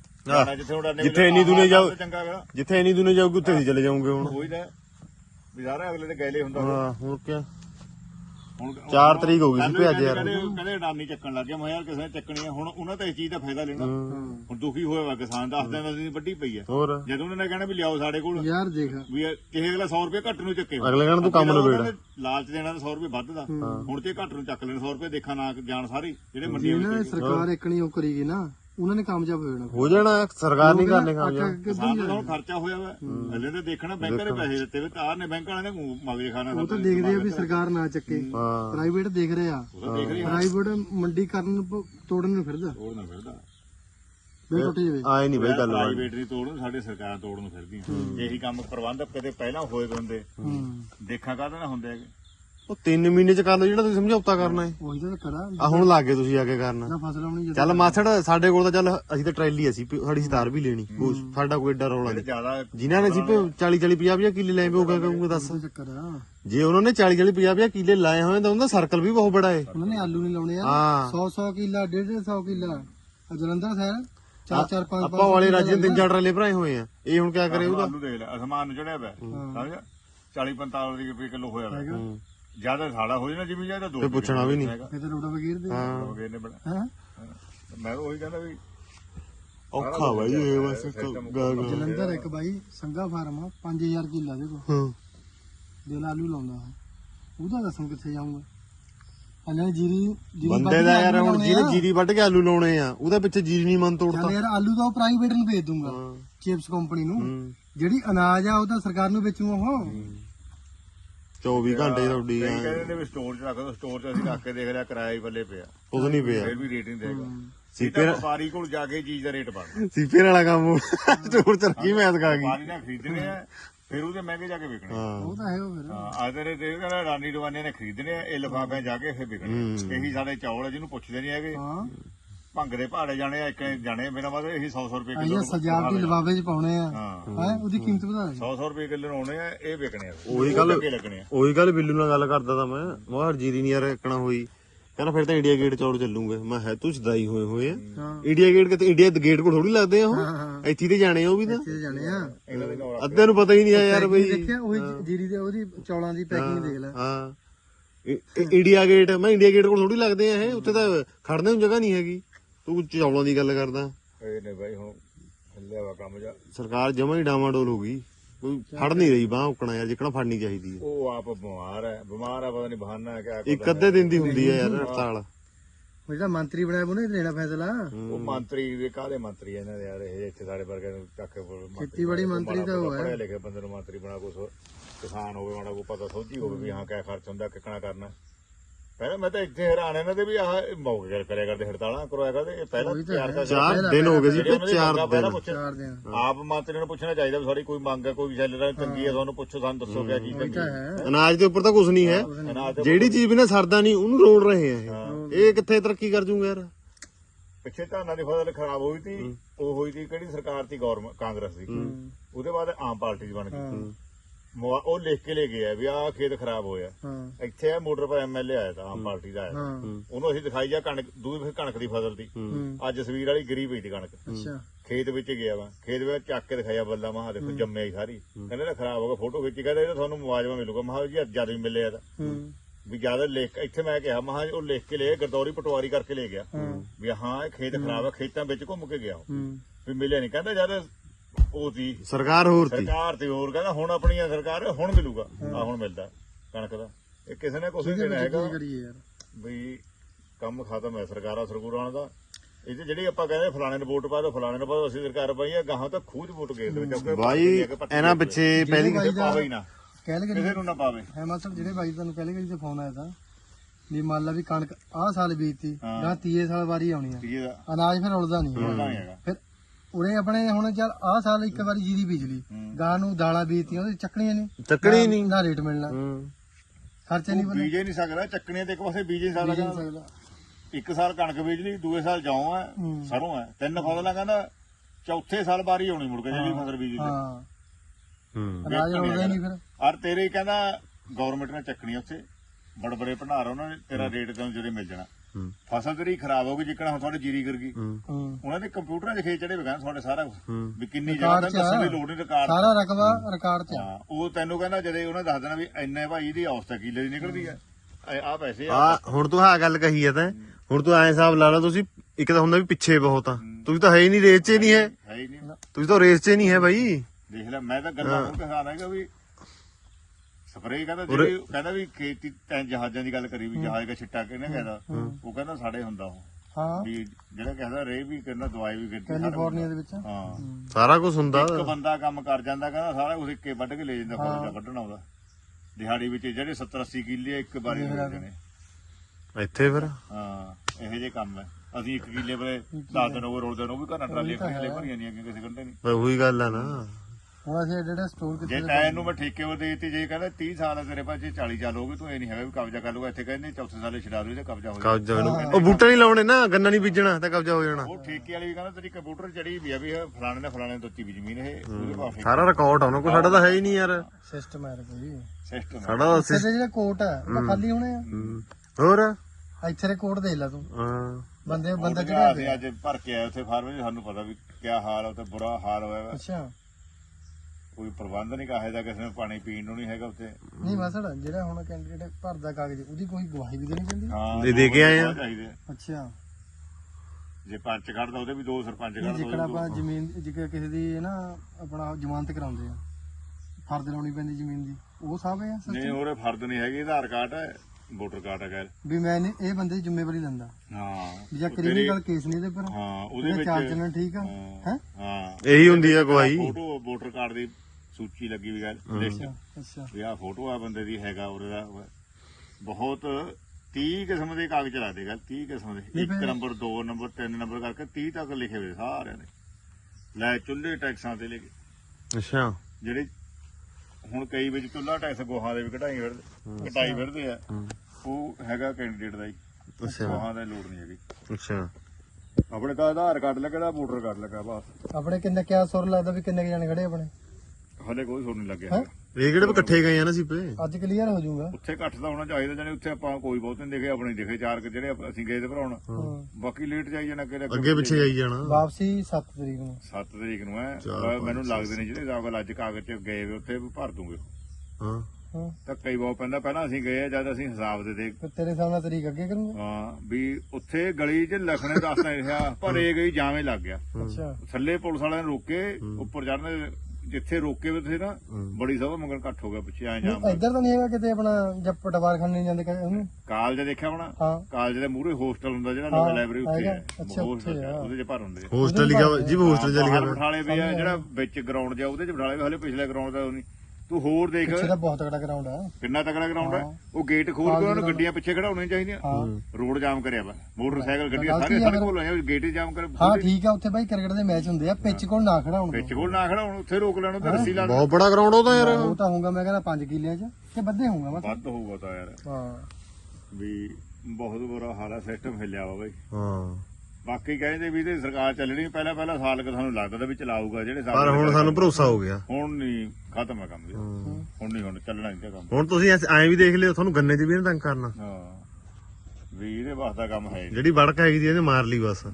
Speaker 3: ਜਿੱਥੇ ਇੰਨੀ ਦੁਨੀਆ ਜਾਊ,
Speaker 4: ਚੰਗਾ ਗਾ,
Speaker 3: ਜਿੱਥੇ ਇੰਨੀ ਦੁਨੀਆ ਜਾਊਗੀ ਉੱਥੇ ਅਸੀਂ ਚਲੇ ਜਾਊਂਗੇ ਹੁਣ।
Speaker 4: ਉਹੀ ਤਾਂ ਵੀ ਸਾਰਾ ਅਗਲੇ ਦੇ ਗੈਲੇ ਹੁੰਦਾ।
Speaker 3: ਹਾਂ ਹੋਰ ਕੀ,
Speaker 4: ਹੁਣ
Speaker 3: 4 ਤਰੀਕ ਹੋ ਗਈ ਸੀ ਭੇਜ ਯਾਰ।
Speaker 4: ਕਹਿੰਦੇ ਅਡਾਨੀ ਚੱਕਣ ਲੱਗ ਗਿਆ, ਮੈਂ ਯਾਰ ਕਿਸੇ ਨੇ ਚੱਕਣੀ ਆ। ਹੁਣ ਉਹਨਾਂ ਤਾਂ ਇਸ ਚੀਜ਼ ਦਾ ਫਾਇਦਾ ਲੈਣਾ। ਹੁਣ ਦੁਖੀ ਹੋਇਆ ਵਾ ਕਿਸਾਨ, 10 ਦਿਨ ਅਸੀਂ ਵੱਡੀ ਪਈ ਆ।
Speaker 3: ਹੋਰ
Speaker 4: ਜਦੋਂ ਉਹਨਾਂ ਨੇ ਕਹਿਣਾ ਵੀ ਲਿਆਓ ਸਾਡੇ ਕੋਲ,
Speaker 2: ਯਾਰ ਦੇਖ
Speaker 4: ਵੀ ਕਿਸੇ ਅਗਲਾ 100 ਰੁਪਏ ਘੱਟ ਨੂੰ ਚੱਕੇ,
Speaker 3: ਅਗਲੇ ਕਹਿਣ ਤੂੰ ਕੰਮ ਨਵੇੜ,
Speaker 4: ਲਾਲਚ ਦੇਣਾ ਤਾਂ 100 ਰੁਪਏ ਵੱਧ ਦਾ। ਹੁਣ ਤੇ ਘੱਟ ਨੂੰ ਚੱਕ ਲੈਣ 100 ਰੁਪਏ, ਦੇਖਾ ਨਾ ਜਾਣ ਸਾਰੀ ਜਿਹੜੇ ਮੰਡੀਆਂ ਵਿੱਚ।
Speaker 2: ਸਰਕਾਰ ਇੱਕਣੀ ਉਹ ਕਰੀਗੀ ਨਾ, ਉਹਨਾਂ ਨੇ ਕਾਮਯਾਬ
Speaker 3: ਹੋ ਜਾਣਾ। ਸਰਕਾਰ ਨਹੀਂ ਕਰਨੇ ਕਾਮਯਾਬ,
Speaker 4: ਕਿਸਾਨ ਦਾ ਹੁਣ ਖਰਚਾ ਹੋਇਆ ਵਾ। ਹਲੇ ਤੇ ਦੇਖਣਾ ਬੈਂਕਾਂ ਦੇ ਪੈਸੇ ਦਿੱਤੇ ਵੇ, ਤਾਰ ਨੇ ਬੈਂਕ ਵਾਲਿਆਂ ਨੇ ਮਗਜ ਖਾਣਾ।
Speaker 2: ਉਹ ਤਾਂ ਦੇਖਦੇ ਆ ਵੀ ਸਰਕਾਰ ਨਾ ਚੱਕੇ, ਪ੍ਰਾਈਵੇਟ ਦੇਖ ਰਹੇ ਆ, ਪ੍ਰਾਈਵੇਟ ਮੰਡੀ ਕਰਨ ਤੋੜਨ ਨੂੰ ਫਿਰਦਾ,
Speaker 4: ਤੋੜਨਾ ਫਿਰਦਾ।
Speaker 2: ਬੇ ਟੁੱਟ ਜਾਵੇ
Speaker 3: ਆਏ ਨਹੀਂ ਬਈ ਗੱਲ।
Speaker 4: ਪ੍ਰਾਈਵੇਟ ਦੀ ਤੋੜਨ, ਸਾਡੇ ਸਰਕਾਰ ਤੋੜਨ ਨੂੰ ਫਿਰਦੀਆਂ। ਇਹੀ ਕੰਮ ਪ੍ਰਬੰਧਕ ਕਦੇ ਪਹਿਲਾਂ ਹੋਏ ਹੁੰਦੇ, ਦੇਖਾਂ ਕਾਹਦੇ ਨਾਲ ਹੁੰਦੇ ਹੈਗੇ।
Speaker 3: ਉਹ 3 ਮਹੀਨੇ ਚ ਕਰ ਲਓ ਜਿਹੜਾ ਤੁਸੀਂ ਸਮਝੌਤਾ ਕਰਨਾ ਹੈ।
Speaker 2: ਉਹੀ ਤਾਂ ਕਰਾ
Speaker 3: ਆ ਹੁਣ ਲੱਗ ਗਏ ਤੁਸੀਂ ਆ ਕੇ ਕਰਨਾ।
Speaker 2: ਨਾ ਫਸਲ ਆਉਣੀ
Speaker 3: ਚੱਲ ਮਾਸੜ ਸਾਡੇ ਕੋਲ ਤਾਂ ਚੱਲ ਅਸੀਂ ਤਾਂ ਟਰੈਲੀ ਅਸੀਂ ਸਾਡੀ ਸਤਾਰ ਵੀ ਲੈਣੀ, ਸਾਡਾ ਕੋਈ ਏਡਾ ਰੌਲਾ ਨਹੀਂ।
Speaker 4: ਜਿਆਦਾ
Speaker 3: ਜਿਨ੍ਹਾਂ ਨੇ ਸੀ 40 50 ਕਿੱਲੇ ਲੈ ਕੇ ਹੋਗਾ ਕਹੂੰਗਾ ਦੱਸ।
Speaker 2: ਚੱਕਰ ਆ,
Speaker 3: ਜੇ ਉਹਨਾਂ ਨੇ 40 50 ਕਿੱਲੇ ਲਾਏ ਹੋਏ ਤਾਂ ਉਹਦਾ ਸਰਕਲ ਵੀ ਬਹੁਤ ਬੜਾ ਹੈ।
Speaker 2: ਉਹਨਾਂ ਨੇ ਆਲੂ ਨਹੀਂ ਲਾਉਣੇ ਆ,
Speaker 3: ਹਾਂ
Speaker 2: 100 ਕਿੱਲਾ 150 ਕਿੱਲਾ ਜਲੰਧਰ ਸ਼ਹਿਰ 4 5
Speaker 3: ਆਪਾਂ ਵਾਲੇ ਰਾਜੇ 3 4 ਟਰਾਲੇ ਭਰਾਏ ਹੋਏ ਆ। ਇਹ ਹੁਣ ਕਿਆ ਕਰੇ ਉਹਦਾ।
Speaker 4: ਆਲੂ ਦੇਖ ਲੈ, ਅਸਮਾਨ ਨੂੰ ਚੜਿਆ ਪਿਆ, ਸਮਝ 40 45 ਰੁਪਏ ਕਿਲੋ ਹੋਇਆ ਵਾ। ਜਿਆਦਾ ਸਾੜਾ ਹੋ ਜਾਣਾ ਜਿਵੇਂ ਜਿਆਦਾ 2
Speaker 3: ਪੁੱਛਣਾ ਵੀ ਨਹੀਂ।
Speaker 2: ਇਹ ਤਾਂ ਰੋਡਾ ਵਗੀਰ ਦੇ
Speaker 4: ਵਗੇਰ ਨੇ ਬੜਾ।
Speaker 2: ਹਾਂ
Speaker 4: ਮੈਂ ਉਹੀ ਕਹਿੰਦਾ ਵੀ
Speaker 3: ਔਖਾ ਬਾਈ ਇਹ ਬਸ।
Speaker 2: ਜਲੰਧਰ ਇੱਕ ਬਾਈ ਸੰਘਾ ਫਾਰਮ ਆ, 5000 ਕਿੱਲਾ ਦੇ ਕੋ ਦੇ ਆਲੂ ਲਾਉਂਦਾ, ਉਹਦਾ ਦੱਸੋ ਕਿੱਥੇ ਜਾਊਗਾ। ਹਲੇ ਜੀਰੀ
Speaker 3: ਬੰਦੇ ਦਾ ਯਾਰ ਹੁਣ ਜਿਹਨੇ ਜੀਰੀ ਵੱਢ ਕੇ ਆਲੂ ਲਾਉਣੇ ਆ, ਉਹਦੇ ਪਿੱਛੇ ਜੀਰੀ ਨਹੀਂ ਮਨ ਤੋੜਦਾ
Speaker 2: ਯਾਰ। ਆਲੂ ਤਾਂ ਉਹ ਪ੍ਰਾਈਵੇਟ ਨੂੰ ਭੇਜ ਦੂੰਗਾ, ਚਿਪਸ ਕੰਪਨੀ ਨੂੰ। ਜਿਹੜੀ ਅਨਾਜ ਆ ਉਹ ਤਾਂ ਸਰਕਾਰ ਨੂੰ ਵੇਚੂਗਾ। ਉਹ
Speaker 3: 24 ਘੰਟੇ ਤੁਹਾਡੀ
Speaker 4: ਕਈ ਕਹਿੰਦੇ ਨੇ ਵੀ ਸਟੋਰ 'ਚ ਰੱਖ ਦੋ, ਸਟੋਰ 'ਚ ਅਸੀਂ ਰੱਖ ਕੇ ਦੇਖ ਲਿਆ, ਕਿਰਾਇਆ ਹੀ ਬੱਲੇ ਪਿਆ,
Speaker 3: ਕੁਝ ਨਹੀਂ ਪਿਆ।
Speaker 4: ਫਿਰ ਵੀ ਰੇਟ ਨਹੀਂ ਦੇਗਾ। ਸੀਪੇ ਵਪਾਰੀ ਕੋਲ ਜਾ ਕੇ ਚੀਜ਼ ਦਾ ਰੇਟ ਪਾ
Speaker 3: ਸੀਪੇ ਵਾਲਾ ਕੰਮ ਸਟੋਰ ਚ ਰੱਖੀ ਮੈਸ ਖਾ ਗਈ।
Speaker 4: ਵਪਾਰੀ ਨੇ ਖਰੀਦਣੇ ਆ, ਫਿਰ ਉਹਦੇ ਮਹਿੰਗੇ ਜਾ ਕੇ ਵਿਕਣੇ।
Speaker 2: ਉਹ ਤਾਂ ਹੈ ਉਹ ਫਿਰ।
Speaker 4: ਹਾਂ ਆਦਰੇ ਦੇ ਕਹਿੰਦਾ ਰਾਨੀ ਦਵਾਨੇ ਨੇ ਖਰੀਦਣੇ ਆ, ਇਹ ਲਿਫਾਫਿਆਂ ਜਾ ਕੇ ਫਿਰ ਵਿਕਣੇ। ਇਹੀ ਸਾਡੇ ਚੌਲ ਆ ਜਿਹਨੂੰ ਪੁੱਛਦੇ ਨਹੀਂ ਹੈਗੇ।
Speaker 2: ਹਾਂ
Speaker 4: ਭੰਗ ਦੇ ਪਹਾੜੇ ਜਾਣੇ ਆ, ਇੱਕ ਜਾਣੇ ਬਿਨਾਂ ਮਤਲਬ ਇਹੀ 100 ਰੁਪਏ
Speaker 2: ਇਹ
Speaker 4: ਕਿਲੋ
Speaker 2: ਸਜਾਵਟੀ ਲਿਫਾਫੇ 'ਚ ਪਾਉਣੇ ਆ,
Speaker 4: ਹਾਂ
Speaker 2: ਹੈ ਉਹਦੀ ਕੀਮਤ ਵਧਾ ਦੇ।
Speaker 4: 100 ਰੁਪਏ ਕਿਲੋ ਨੂੰ ਆਉਣੇ ਆ, ਇਹ ਵਿਕਣੇ ਆ।
Speaker 3: ਉਹੀ ਗੱਲ
Speaker 4: ਲੱਗਣੇ ਆ।
Speaker 3: ਉਹੀ ਗੱਲ ਬਿੱਲੂ ਨਾਲ ਗੱਲ ਕਰਦਾ ਤਾਂ ਮੈਂ ਕਿਹਾ ਜੀਰੀ ਨਹੀਂ ਯਾਰ ਇੱਕਣਾ ਹੋਈ। ਕਹਿੰਦਾ ਫਿਰ ਤਾਂ ਇੰਡੀਆ ਗੇਟ ਚੌੜ ਚੱਲੂਗੇ। ਮੈਂ ਹੈ ਤੂੰ ਸਦਾਈ ਹੋਏ ਆ। ਇੰਡੀਆ ਗੇਟ ਕਿਤੇ ਇੰਡੀਆ ਦੇ ਗੇਟ ਕੋਲ ਥੋੜੀ ਲੱਗਦੇ ਆ ਉਹ, ਇੱਥੇ ਤੇ ਜਾਣੇ ਆ ਉਹ ਵੀ ਤਾਂ।
Speaker 2: ਇੱਥੇ ਜਾਣੇ ਆ,
Speaker 3: ਅੱਧਿਆਂ ਨੂੰ ਪਤਾ ਹੀ ਨਹੀਂ ਆ ਯਾਰ ਬਈ।
Speaker 2: ਦੇਖਿਆ ਉਹੀ ਜੀਰੀ ਦੇ ਉਹਦੀ ਚੌਲਾਂ ਦੀ ਪੈਕਿੰਗ ਦੇਖ ਲੈ।
Speaker 3: ਹਾਂ ਇੰਡੀਆ ਗੇਟ, ਮੈਂ ਇੰਡੀਆ ਗੇਟ ਕੋਲ ਥੋੜੀ ਲੱਗਦੇ ਆ ਇਹ, ਉੱਥੇ ਤਾਂ ਖੜਨੇ ਨੂੰ ਜਗ੍ਹਾ ਨਹੀਂ ਹੈਗੀ। ਤੂੰ ਚੌਲਾਂ ਦੀ ਗੱਲ ਕਰਦਾ।
Speaker 4: ਇਹ ਨੇ ਬਾਈ ਹੁਣ ਹੱਲਿਆ ਵਾ ਕੰਮ ਜਾ।
Speaker 3: ਸਰਕਾਰ ਜਮਾ ਹੀ ਡਾਮਾਡੋਲ ਹੋ ਗਈ, ਕੋਈ ਫੜ ਨਹੀਂ ਰਹੀ ਬਾਹ ਉੱਕਣਾ ਯਾਰ, ਜਿੱਕਣਾ ਫੜਨੀ ਚਾਹੀਦੀ ਹੈ।
Speaker 4: ਉਹ ਆਪ ਬਿਮਾਰ ਹੈ, ਪਤਾ ਨਹੀਂ ਬਹਾਨਾ ਹੈ ਕਿਆ।
Speaker 3: ਇੱਕ ਅੱਧੇ ਦਿਨ ਦੀ ਹੁੰਦੀ ਹੈ ਯਾਰ ਹੜਤਾਲ।
Speaker 2: ਜਿਹੜਾ ਮੰਤਰੀ ਬਣਾਇਆ ਉਹਨੇ ਲੈਣਾ ਫੈਸਲਾ।
Speaker 4: ਉਹ ਮੰਤਰੀ ਦੇ ਕਾਹਦੇ ਮੰਤਰੀ ਇਹਨਾਂ ਦੇ ਯਾਰ, ਇਹ ਇੱਥੇ ਸਾਡੇ ਵਰਗੇ ਨੂੰ ਚੱਕ ਕੇ
Speaker 2: ਖੇਤੀਬਾੜੀ ਮੰਤਰੀ ਤਾਂ ਉਹ ਹੈ।
Speaker 4: ਪੜ੍ਹੇ ਲਿਖੇ ਬੰਦੇ ਨੂੰ ਮੰਤਰੀ ਬਣਾ, ਕੁਛ ਕਿਸਾਨ ਹੋਵੇ ਮਾੜਾ ਕੋ ਪਤਾ ਸੋਝੀ ਹੋਵੇ ਵੀ ਹਾਂ ਕਿਆ ਖਰਚ ਹੁੰਦਾ, ਕਿੱਕਣਾ ਕਰਨਾ। ਪਹਿਲਾਂ ਮੈਂ ਤਾਂ ਇੱਥੇ ਹੈਰਾਨ ਇਹਨਾਂ ਦੇ ਵੀ ਆਹ ਮੌਕੇ ਗੱਲ ਕਰਿਆ ਕਰਦੇ, ਹੜਤਾਲਾਂ ਕਰਵਾਇਆ ਕਰਦੇ। ਇਹ ਪਹਿਲਾਂ
Speaker 3: 4 ਦਿਨ ਹੋ ਗਏ ਸੀ ਤੇ 4 ਦਿਨ
Speaker 2: 4 ਦਿਨ
Speaker 4: ਆਪ ਮੰਤਰੀ ਨੂੰ ਪੁੱਛਣਾ ਚਾਹੀਦਾ ਵੀ ਸਾਡੀ ਕੋਈ ਮੰਗ ਹੈ, ਕੋਈ ਸੈਲਰ ਤੰਗੀ ਹੈ, ਤੁਹਾਨੂੰ ਪੁੱਛੋ, ਸਾਨੂੰ ਦੱਸੋ ਕਿਆ ਚੀਜ਼ ਤੰਗੀ ਹੈ।
Speaker 3: ਅਨਾਜ ਦੇ ਉੱਪਰ ਤਾਂ ਕੁਝ ਨਹੀਂ ਹੈ,
Speaker 4: ਅਨਾਜ
Speaker 3: ਜਿਹੜੀ ਚੀਜ਼ ਬਿਨਾਂ ਸਰਦਾ ਨਹੀਂ ਉਹਨੂੰ ਰੋੜ ਰਹੇ ਆ ਇਹ ਕਿੱਥੇ ਤਰੱਕੀ ਕਰ ਜੂਗਾ ਯਾਰ।
Speaker 4: ਪਿੱਛੇ ਧਾਨਾਂ ਦੀ ਫਸਲ ਖਰਾਬ ਹੋਈ ਸੀ, ਉਹ ਹੋਈ ਸੀ ਕਿਹੜੀ ਸਰਕਾਰ ਸੀ, ਗੌਰਮੈਂਟ ਕਾਂਗਰਸ ਦੀ। ਉਹਦੇ ਬਾਅਦ ਆਮ ਪਾਰਟੀ ਬਣ ਗਈ, ਉਹ ਲਿਖ ਕੇ ਲੈ ਗਿਆ ਵੀ ਆਹ ਖੇਤ ਖਰਾਬ ਹੋਇਆ। ਇੱਥੇ ਆ ਮੋਟਰ ਪਰ ਐਮਐਲਏ ਆਇਆ ਤਾਂ ਆਮ ਪਾਰਟੀ ਦਾ ਆਇਆ, ਉਹਨੂੰ ਅਸੀਂ ਦਿਖਾਈ ਜਾ ਕਣਕ, ਦੂਜੀ ਫਿਰ ਕਣਕ ਦੀ ਫਸਲ ਦੀ। ਅੱਜ ਜਸਵੀਰ ਵਾਲੀ ਗਰੀ ਪਈ ਦੀ ਕਣਕ, ਖੇਤ ਵਿੱਚ ਗਿਆ ਵਾ, ਖੇਤ ਵਿੱਚ ਚੱਕ ਕੇ ਦਿਖਾਇਆ ਬੱਲਾ, ਮਹਾ ਦੇਖੋ ਜੰਮਿਆ ਹੀ ਸਾਰੀ। ਕਹਿੰਦੇ ਖਰਾਬ ਹੋ ਗਿਆ, ਫੋਟੋ ਖਿੱਚੀ, ਕਹਿੰਦੇ ਇਹਦਾ ਤੁਹਾਨੂੰ ਮੁਆਵਜ਼ਾ ਮਿਲੂਗਾ। ਮਹਾ ਜੀ ਜਦ ਵੀ ਮਿਲਿਆ ਤਾਂ ਵੀ ਜਿਆਦਾ ਲਿਖ, ਇੱਥੇ ਮੈਂ ਕਿਹਾ ਮਹਾ ਉਹ ਲਿਖ ਕੇ ਲੈ ਗਰਦੌਰੀ ਪਟਵਾਰੀ ਕਰਕੇ ਲੈ ਗਿਆ ਵੀ ਹਾਂ ਇਹ ਖੇਤ ਖਰਾਬ ਹੈ, ਖੇਤਾਂ ਵਿੱਚ ਘੁੰਮ ਕੇ ਗਿਆ ਵੀ ਮਿਲਿਆ ਨਹੀਂ। ਕਹਿੰਦਾ ਜਦ ਉਹ ਸੀ
Speaker 3: ਸਰਕਾਰ ਹੋਰ ਸੀ,
Speaker 4: ਸਰਕਾਰ ਤੇ ਹੋਰ, ਕਹਿੰਦਾ ਹੁਣ ਆਪਣੀ ਸਰਕਾਰ ਹੁਣ ਮਿਲੂਗਾ, ਆ ਹੁਣ ਮਿਲਦਾ ਕਣਕ ਦਾ। ਇਹ ਕਿਸੇ ਨੇ ਕੁਛ ਨਹੀਂ ਦੇਣਾ ਹੈਗਾ ਵੀ ਕੰਮ ਖਤਮ ਹੈ ਸਰਕਾਰਾਂ ਸਰਗੁਰਾਂ ਦਾ। ਇਹ ਜਿਹੜੀ ਆਪਾਂ ਕਹਿੰਦੇ ਫਲਾਣੇ ਨੂੰ ਵੋਟ ਪਾ ਦੋ, ਫਲਾਣੇ ਨੂੰ ਪਾ ਦੋ, ਅਸੀਂ ਸਰਕਾਰ ਪਾਈ ਆ, ਗਾਹਾਂ ਤਾਂ ਖੂਜ ਵੋਟ ਗਏ ਦੇ ਵਿੱਚ
Speaker 3: ਬਾਈ ਇਹਨਾਂ ਪਿੱਛੇ ਪਹਿਲੀ
Speaker 4: ਪਾਵੇ ਹੀ ਨਾ,
Speaker 2: ਕਹਿ
Speaker 4: ਕਿਸੇ ਨੂੰ ਨਾ ਪਾਵੇ।
Speaker 2: ਹੈ ਮਾਸਟਰ ਜਿਹੜੇ ਬਾਈ ਤੁਹਾਨੂੰ ਪਹਿਲੇ ਵਾਰੀ ਤੇ ਫੋਨ ਆਇਆ ਤਾਂ ਵੀ ਮੰਨ ਲਾ ਵੀ ਕਣਕ ਆਹ ਸਾਲ ਬੀਜਤੀ, ਗਾਂ 30 ਸਾਲ ਵਾਰੀ ਆਉਣੀ ਆ, ਅਨਾਜ ਫਿਰ ਉਲਦਾ ਨਹੀਂ
Speaker 4: ਹੈਗਾ।
Speaker 2: ਫਿਰ ਉਰੇ ਆਪਣੇ ਹੁਣ ਚੱਲ ਆਹ ਸਾਲ ਇੱਕ ਵਾਰੀ ਜੀਰੀ ਬੀਜ ਲਈ, ਗਾਂ ਨੂੰ ਦਾਲਾਂ ਬੀਜਤੀਆਂ, ਉਹਦੇ ਚੱਕਣੀਆਂ ਨਹੀਂ ਨਾ ਰੇਟ ਮਿਲਣਾ, ਖਰਚੇ ਨਹੀਂ ਬਣੇ,
Speaker 4: ਬੀਜੇ ਨਹੀਂ ਸਕਦਾ, ਚੱਕਣੀਆਂ ਤੇ ਇੱਕ ਪਾਸੇ ਬੀਜੇ ਨਹੀਂ ਸਕਦਾ। ਇੱਕ ਸਾਲ ਕਣਕ ਬੀਜ ਲਈ, ਦੂਏ ਸਾਲ ਜੌਂ ਹੈ, ਸਰੋਂ ਹੈ, 3 ਫਸਲਾਂ ਕਹਿੰਦਾ ਚੌਥੇ ਸਾਲ ਵਾਰੀ ਆਉਣੀ ਮੁੜ ਕੇ ਜਿਹੜੀ ਫਸਲ ਬੀਜੀ ਤੇ
Speaker 2: ਅਨਾਜ ਉਲਦਾ ਨਹੀਂ ਫਿਰ।
Speaker 4: ਔਰ ਤੇਰੇ ਕਹਿੰਦਾ ਗਵਰਨਮੈਂਟ ਨੇ ਚੱਕਣੀ ਉੱਥੇ ਬੜੇ ਬੜੇ ਭੰਡਾਰ, ਉਹਨਾਂ ਨੇ ਤੇਰਾ ਰੇਟ ਤੈਨੂੰ ਜਿਹੜੇ ਮਿਲ ਜਾਣਾ। ਫਸਲ ਤੇਰੀ ਖਰਾਬ ਹੋ ਗਈ, ਜਿੱਕਣਾ ਹੁਣ ਤੁਹਾਡੇ ਜੀਰੀ ਕਰ ਗਈ, ਉਹਨਾਂ ਦੇ ਕੰਪਿਊਟਰਾਂ 'ਚ ਖੇਤ ਚੜੇ ਵਗਾ ਤੁਹਾਡੇ ਸਾਰਾ ਵੀ ਕਿੰਨੀ ਜਗ੍ਹਾ ਤੱਕ ਦੱਸਣ ਦੀ ਲੋੜ ਨਹੀਂ, ਰਿਕਾਰਡ
Speaker 2: ਸਾਰਾ ਰਕਬਾ ਰਿਕਾਰਡ 'ਚ।
Speaker 4: ਹਾਂ ਉਹ ਤੈਨੂੰ ਕਹਿੰਦਾ ਜਦੇ ਉਹਨੇ ਦੱਸ ਦੇਣਾ ਵੀ ਇੰਨੇ ਭਾਈ ਦੀ ਔਸਤ ਕਿੱਲੇ ਦੀ ਨਿਕਲਦੀ ਆ, ਆ ਪੈਸੇ
Speaker 3: ਆ। ਹੁਣ ਤੂੰ ਆਹ ਗੱਲ ਕਹੀ ਹੈ ਤਾਂ ਹੁਣ ਤੂੰ ਐਂ ਹਿਸਾਬ ਲਾ ਲਾ, ਤੁਸੀਂ ਇੱਕ ਤਾਂ ਹੁੰਦਾ ਵੀ ਪਿੱਛੇ ਬਹੁਤ ਆ, ਤੁਸੀਂ ਤਾਂ ਹੈ ਹੀ ਨਹੀਂ ਰੇਸ 'ਚ ਨਹੀਂ ਹੈ,
Speaker 4: ਹੈ ਹੀ ਨਹੀਂ,
Speaker 3: ਤੁਸੀਂ ਤਾਂ ਰੇਸ 'ਚ ਨਹੀਂ ਹੈ ਬਾਈ।
Speaker 4: ਦੇਖ ਲੈ ਮੈਂ ਤਾਂ ਗੱਲਾਂ ਨੂੰ ਕਹਾਣਾ ਹੈਗਾ ਵੀ ਸਪਰੇਅ ਕਹਿੰਦਾ ਵੀ ਖੇਤੀ ਜਹਾਜ਼ਾਂ ਦੀ ਗੱਲ ਕਰੀ ਵੀ ਜਹਾਜ਼ ਦਾ ਛਿੱਟਾ ਕਿਹਨੇ ਕਹਿੰਦਾ, ਉਹ ਕਹਿੰਦਾ ਸਾਡੇ ਹੁੰਦਾ ਉਹ
Speaker 2: ਹਾਂ
Speaker 4: ਵੀ ਜਿਹੜਾ ਕਹਿੰਦਾ ਰੇ ਵੀ ਕਹਿੰਦਾ ਦਵਾਈ ਵੀ ਕਰਦੀ
Speaker 2: ਕੈਲੀਫੋਰਨੀਆ ਦੇ ਵਿੱਚ
Speaker 4: ਹਾਂ
Speaker 3: ਸਾਰਾ ਕੁਝ ਹੁੰਦਾ।
Speaker 4: ਇੱਕ ਬੰਦਾ ਕੰਮ ਕਰ ਜਾਂਦਾ, ਕਹਿੰਦਾ ਸਾਰਾ ਕੁਝ ਇੱਕੇ ਵੱਢ ਕੇ ਲੈ ਜਾਂਦਾ, ਫਸਲ ਵੱਢਣਾ ਉਹਦਾ ਦਿਹਾੜੀ ਵਿੱਚ ਜਿਹੜੇ 70-80 ਕਿੱਲੇ ਇੱਕ ਵਾਰੀ ਹੋ ਜਾਂਦੇ ਨੇ
Speaker 3: ਇੱਥੇ ਫਿਰ।
Speaker 4: ਹਾਂ ਇਹੋ ਜਿਹੇ ਕੰਮ ਹੈ। ਅਸੀਂ 1 ਕਿੱਲੇ ਪਰ 10 ਦਿਨ ਉਹ ਰੋਲਦੇ ਨੇ, ਉਹ ਵੀ ਘਰਾਂ ਟਰਾਲੀਆਂ ਭਰੀਆਂ ਨਹੀਂ ਕਿਸੇ ਘੰਟੇ ਨਹੀਂ।
Speaker 3: ਉਹੀ ਗੱਲ ਆ ਨਾ,
Speaker 2: ਹੁਣ ਅਸੀਂ ਜਿਹੜੇ ਸਟੋਰ
Speaker 4: ਜੇ ਟਾਇਰ ਨੂੰ ਮੈਂ ਠੇਕੇ ਉਹ ਦੇ ਦਿੱਤੀ, ਜੇ ਕਹਿੰਦਾ 30 ਸਾਲ ਹੈ ਤੇਰੇ ਪਾਸ, ਜੇ 40 ਸਾਲ ਹੋ ਗਏ ਤੂੰ ਇਹ ਨਹੀਂ ਹੈਗਾ ਵੀ ਕਬਜ਼ਾ ਕਰ ਲੂਗਾ। ਇੱਥੇ ਕਹਿੰਦੇ ਚੌਥੇ ਸਾਲੇ ਛਡਾ ਦੂ, ਇਹਦਾ ਕਬਜ਼ਾ ਹੋ ਜਾਊਗਾ।
Speaker 3: ਕਬਜ਼ਾ ਉਹ ਬੂਟੇ ਨਹੀਂ ਲਾਉਣੇ ਨਾ, ਗੰਨਾ ਨਹੀਂ ਬੀਜਣਾ ਤਾਂ ਕਬਜ਼ਾ ਹੋ ਜਾਣਾ।
Speaker 4: ਉਹ ਠੇਕੇ ਵਾਲੀ ਵੀ ਕਹਿੰਦਾ ਤੇਰੀ ਕੰਪਿਊਟਰ ਚੜੀ ਵੀ ਆ ਵੀ ਫਲਾਣੇ ਨੇ ਫਲਾਣੇ ਤੋਂ ਉੱਚੀ ਵੀ ਜ਼ਮੀਨ ਇਹ ਉਹਦੇ ਪਾਸੇ
Speaker 3: ਸਾਰਾ ਰਿਕਾਰਡ ਆ ਉਹਨਾਂ ਕੋਲ, ਸਾਡਾ ਤਾਂ ਹੈ ਹੀ ਨਹੀਂ ਯਾਰ
Speaker 2: ਸਿਸਟਮ ਹੈ ਕੋਈ
Speaker 4: ਸਿਸਟਮ।
Speaker 3: ਸਾਡਾ ਤਾਂ
Speaker 2: ਇੱਥੇ ਦੇ ਜਿਹੜੇ ਕੋਟ ਹੈ ਉਹ ਤਾਂ ਖਾਲੀ ਹੋਣੇ ਆ।
Speaker 3: ਹੋਰ
Speaker 2: ਇੱਥੇ ਦੇ ਕੋਟ ਦੇਖ ਲੈ ਤੂੰ,
Speaker 3: ਹਾਂ
Speaker 2: ਬੰਦੇ
Speaker 4: ਜਿਹੜਾ ਅਸੀਂ ਅੱਜ ਭਰ ਕੇ ਆਏ ਉੱਥੇ ਫਾਰਮ ਵਿੱਚ, ਸਾਨੂੰ ਪਤਾ ਵੀ ਕਿਆ ਹਾਲ, ਉੱਥੇ ਬੁਰਾ ਹਾਲ ਹੋਇਆ।
Speaker 2: ਅੱਛਾ
Speaker 4: ਕੋਈ ਪ੍ਰਬੰਧ ਨਹੀਂ ਕਾਹੇ ਦਾ, ਕਿਸੇ ਨੂੰ ਪਾਣੀ ਪੀਣ ਨੂੰ ਨਹੀਂ ਹੈਗਾ ਉੱਥੇ।
Speaker 2: ਨਹੀਂ ਮਸੜ ਜਿਹੜਾ ਹੁਣ ਕੈਂਡੀਡੇਟ ਭਰਦਾ ਕਾਗਜ਼, ਉਹਦੀ ਕੋਈ ਗਵਾਹੀ ਵੀ ਦੇਣੀ ਪੈਂਦੀ।
Speaker 4: ਹਾਂ
Speaker 3: ਇਹ ਦੇ ਕੇ ਆਏ ਆ।
Speaker 2: ਅੱਛਾ
Speaker 4: ਜੇ ਪੰਚ ਖੜਦਾ ਉਹਦੇ ਵੀ 2 ਸਰਪੰਚ ਖੜਦਾ।
Speaker 2: ਜਿੱਕਣਾ ਆਪਾਂ ਜ਼ਮੀਨ ਜਿੱਕੇ ਕਿਸੇ ਦੀ ਨਾ ਆਪਣਾ ਜ਼ਮਾਨਤ ਕਰਾਉਂਦੇ ਆ, ਫਰਦ ਲਾਉਣੀ ਪੈਂਦੀ ਜ਼ਮੀਨ ਦੀ, ਉਹ ਸਭ ਹੈ
Speaker 4: ਨਹੀਂ ਉਹਦੇ ਫਰਦ ਨਹੀਂ ਹੈਗੇ, ਆਧਾਰ ਕਾਰਡ ਹੈ, ਵੋਟਰ ਕਾਰਡ ਹੈ ਗੈਰ
Speaker 2: ਵੀ ਮੈਂ ਇਹ ਬੰਦੇ ਦੀ ਜ਼ਿੰਮੇਵਾਰੀ ਲੈਂਦਾ।
Speaker 4: ਹਾਂ
Speaker 2: ਜਾਂ ਕ੍ਰਿਮੀਨਲ ਕੇਸ ਨਹੀਂ ਦੇ ਪਰ
Speaker 4: ਹਾਂ ਉਹਦੇ ਵਿੱਚ
Speaker 2: ਚਾਰਜਨ ਠੀਕ ਆ ਹੈ।
Speaker 4: ਹਾਂ
Speaker 3: ਇਹੀ ਹੁੰਦੀ ਆ ਗਵਾਹੀ।
Speaker 4: ਫੋਟੋ ਵੋਟਰ ਕਾਰਡ ਦੀ ਸੂਚੀ ਲੱਗੀ ਵੀ ਗੱਲ ਲਿਸਟ
Speaker 2: ਅੱਛਾ
Speaker 4: ਵੀ ਆਹ ਫੋਟੋ ਆ ਬੰਦੇ ਦੀ ਹੈਗਾ, ਉਹਦਾ ਬਹੁਤ 30 ਕਿਸਮ ਦੇ ਕਾਗਜ਼ ਲਾ ਦੇਗਾ, 30 ਕਿਸਮ ਦੇ, 1 ਨੰਬਰ 2 ਨੰਬਰ 3 ਨੰਬਰ ਕਰਕੇ 30 ਤੱਕ ਲਿਖੇ ਹੋਏ ਸਾਰਿਆਂ ਨੇ। ਲੈ ਚੁੱਲ੍ਹੇ ਟੈਕਸਾਂ ਤੇ ਲੈ ਕੇ,
Speaker 3: ਅੱਛਾ
Speaker 4: ਜਿਹੜੇ ਹੁਣ ਕਈ ਵਿੱਚ ਚੁੱਲ੍ਹਾ ਟੈਕਸ ਗੋਹਾਂ ਦੇ ਵੀ ਕਟਾਈ ਫਿਰਦੇ ਆ, ਉਹ ਹੈਗਾ ਕੈਂਡੀਡੇਟ ਦਾ ਹੀ, ਗੋਹਾਂ ਦਾ ਲੋੜ ਨਹੀਂ ਹੈਗੀ।
Speaker 3: ਅੱਛਾ
Speaker 4: ਆਪਣੇ ਤਾਂ ਆਧਾਰ ਕਾਰਡ ਲੱਗਦਾ, ਵੋਟਰ ਕਾਰਡ ਲੱਗਾ ਬਸ।
Speaker 2: ਆਪਣੇ ਕਿੰਨੇ ਕਿਆ ਸੁਰ ਲੱਗਦਾ ਵੀ ਕਿੰਨੇ ਜਾਣੇ ਖੜੇ ਆਪਣੇ,
Speaker 4: ਹਲੇ ਕੋਈ ਸੁਣ ਨਹੀਂ ਲੱਗਿਆ।
Speaker 3: ਇਹ ਕਿਹੜੇ ਇਕੱਠੇ ਗਏ ਆ ਨਾ ਸੀਪੇ,
Speaker 2: ਅੱਜ ਕਲੀਅਰ ਹੋ ਜਾਊਗਾ।
Speaker 4: ਉੱਥੇ ਇਕੱਠ ਤਾਂ ਹੋਣਾ ਚਾਹੀਦਾ, ਜਾਨੀ ਉੱਥੇ ਆਪਾਂ ਕੋਈ ਬਹੁਤ ਨਹੀਂ ਦਿਖੇ, ਆਪਣੇ ਦਿਖੇ 4 ਜਿਹੜੇ ਅਸੀਂ ਗਏ ਤੇ ਭਰਾਉਣ, ਬਾਕੀ ਲੇਟ ਜਾਈ ਜਾਣਾ, ਕਿਹੜੇ
Speaker 3: ਅੱਗੇ ਪਿੱਛੇ ਜਾਈ ਜਾਣਾ।
Speaker 2: ਵਾਪਸੀ 7 ਤਰੀਕ ਨੂੰ
Speaker 4: 7 ਤਰੀਕ ਨੂੰ ਹੈ। ਮੈਨੂੰ ਲੱਗਦੇ ਨੇ ਜਿਹੜੇ ਹਿਸਾਬ ਨਾਲ ਅੱਜ ਕਾਗਜ਼ ਚ ਗਏ ਵੇ ਉੱਥੇ ਭਰ ਦੂੰਗੇ।
Speaker 3: ਹਾਂ
Speaker 4: ਤਾਂ ਕਈ ਬਹੁਤ ਪੈਂਦਾ, ਪਹਿਲਾਂ ਅਸੀਂ ਗਏ ਜਦ ਅਸੀਂ ਹਿਸਾਬ ਦੇ ਦੇ
Speaker 2: ਤੇਰੇ ਸਾਹਮਣੇ ਤਰੀਕ ਅੱਗੇ ਕਰੂੰਗਾ।
Speaker 4: ਹਾਂ ਵੀ ਉੱਥੇ ਗਲੀ 'ਚ ਲਖਣੇ ਦੱਸਦਾ ਰਿਹਾ, ਭਰੇ ਗਈ ਜਾਵੇਂ ਲੱਗ ਗਿਆ।
Speaker 2: ਅੱਛਾ
Speaker 4: ਥੱਲੇ ਪੁਲਿਸ ਵਾਲਿਆਂ ਨੇ ਰੋਕੇ, ਉੱਪਰ ਚੜ੍ਹਨੇ ਜਿੱਥੇ ਰੋਕੇ ਵੇ ਤੁਸੀਂ ਨਾ ਬੜੀ ਸਭਾ ਮੰਗਣ ਘੱਟ ਹੋ ਗਿਆ ਪਿੱਛੇ ਐ ਜਾਮ
Speaker 2: ਇੱਧਰ ਤਾਂ ਨਹੀਂ ਹੈਗਾ ਕਿਤੇ ਆਪਣਾ ਜਦ ਪਟਵਾਰ ਖਾਨੇ ਨਹੀਂ ਜਾਂਦੇ ਉਹਨੂੰ
Speaker 4: ਕਾਲਜ ਦੇਖਿਆ ਹੋਣਾ
Speaker 2: ਹਾਂ।
Speaker 4: ਕਾਲਜ ਦੇ ਮੂਹਰੇ ਹੋਸਟਲ ਹੁੰਦਾ ਜਿਹੜਾ
Speaker 2: ਹਾਂ,
Speaker 4: ਲਾਇਬ੍ਰੇਰੀ ਉੱਥੇ
Speaker 2: ਹੈਗਾ।
Speaker 4: ਹੈ
Speaker 2: ਅੱਛਾ,
Speaker 4: ਹੋਸਟਲ
Speaker 2: ਉੱਥੇ ਆ।
Speaker 4: ਉਹਦੇ ਚ ਭਰ ਹੁੰਦੇ ਆ
Speaker 3: ਹੋਸਟਲ ਲਿਖਿਆ ਜੀ ਹੋਸਟਲ ਚ ਲਿਖਿਆ
Speaker 4: ਬਾਹਰ ਬਿਠਾਲੇ ਵੀ ਆ ਜਿਹੜਾ ਵਿੱਚ ਗਰਾਊਂਡ ਜਾ ਉਹਦੇ ਚ ਬਿਠਾਲੇ ਵੀ ਹਲੇ ਪਿਛਲੇ ਗਰਾਊਂਡ ਦਾ ਉਹ ਨਹੀਂ ਤੂੰ ਹੋਰ ਦੇਖ
Speaker 2: ਪਿੱਛੇ ਤਾਂ ਬਹੁਤ ਤਕੜਾ ਗਰਾਊਂਡ ਆ।
Speaker 4: ਕਿੰਨਾ ਤਕੜਾ ਗਰਾਊਂਡ ਹੈ ਉਹ ਗੇਟ ਖੋਲ ਕੇ ਉਹਨਾਂ ਨੂੰ ਗੱਡੀਆਂ ਪਿੱਛੇ ਖੜਾਉਣੀਆਂ ਚਾਹੀਦੀਆਂ
Speaker 2: ਹਾਂ
Speaker 4: ਰੋਡ ਜਾਮ ਕਰਿਆ ਵਾ ਮੋਟਰਸਾਈਕਲ ਗੱਡੀਆਂ ਸਾਰੇ ਸੜਕ ਕੋਲ ਆਏ ਗੇਟ ਹੀ ਜਾਮ ਕਰ
Speaker 2: ਹਾਂ ਠੀਕ ਆ। ਉੱਥੇ ਬਾਈ ਕ੍ਰਿਕਟ ਦੇ ਮੈਚ ਹੁੰਦੇ ਆ, ਪਿੱਚ ਕੋਲ ਨਾ ਖੜਾਉਣ
Speaker 4: ਵਿੱਚ ਕੋਲ ਨਾ ਖੜਾਉਣ ਉੱਥੇ ਰੋਕ ਲੈਣ ਤੇ ਰੱਸੀ ਲਾ
Speaker 3: ਬਹੁਤ ਬੜਾ ਗਰਾਊਂਡ ਉਹਦਾ ਯਾਰ
Speaker 2: ਉਹ ਤਾਂ ਹੋਊਗਾ ਮੈਂ ਕਹਿੰਦਾ 5 ਕਿੱਲਿਆਂ ਚ ਤੇ ਵੱਧੇ ਹੋਊਗਾ ਬਸ।
Speaker 4: ਵੱਧ ਹੋਊਗਾ ਤਾਂ ਯਾਰ
Speaker 2: ਹਾਂ
Speaker 4: ਵੀ ਬਹੁਤ ਬੁਰਾ ਹਾਲ ਆ ਸਿਸਟਮ ਹਿੱਲਿਆ ਵਾ ਬਈ
Speaker 3: ਹਾਂ
Speaker 4: ਬਾਕੀ ਕਹਿੰਦੇ ਵੀ ਤੇ ਸਰਕਾਰ ਚੱਲਣੀ ਪਹਿਲਾਂ ਸਾਲ ਕ ਸਾਨੂੰ ਲੱਗਦਾ ਤਾਂ ਵੀ ਚਲਾਊਗਾ ਜਿਹੜੇ
Speaker 3: ਪਰ ਹੁਣ ਸਾਨੂੰ ਭਰੋਸਾ ਹੋ ਗਿਆ
Speaker 4: ਹੁਣ ਨਹੀਂ ਖਤਮ ਹੈ ਕੰਮ ਜੀ ਹੁਣ ਚੱਲਣਾ ਨਹੀਂ ਕੰਮ
Speaker 3: ਹੁਣ ਤੁਸੀਂ ਐਂ ਵੀ ਦੇਖ ਲਿਓ ਤੁਹਾਨੂੰ ਗੰਨੇ 'ਚ ਵੀ ਨਾ ਤੰਗ ਕਰਨਾ
Speaker 4: ਹਾਂ ਵੀ ਇਹਦੇ ਵਾਸਤਾ ਕੰਮ ਹੈ
Speaker 3: ਜਿਹੜੀ ਵੜਕ ਹੈਗੀ ਦੀ ਇਹਨੇ ਮਾਰ ਲਈ ਬਸ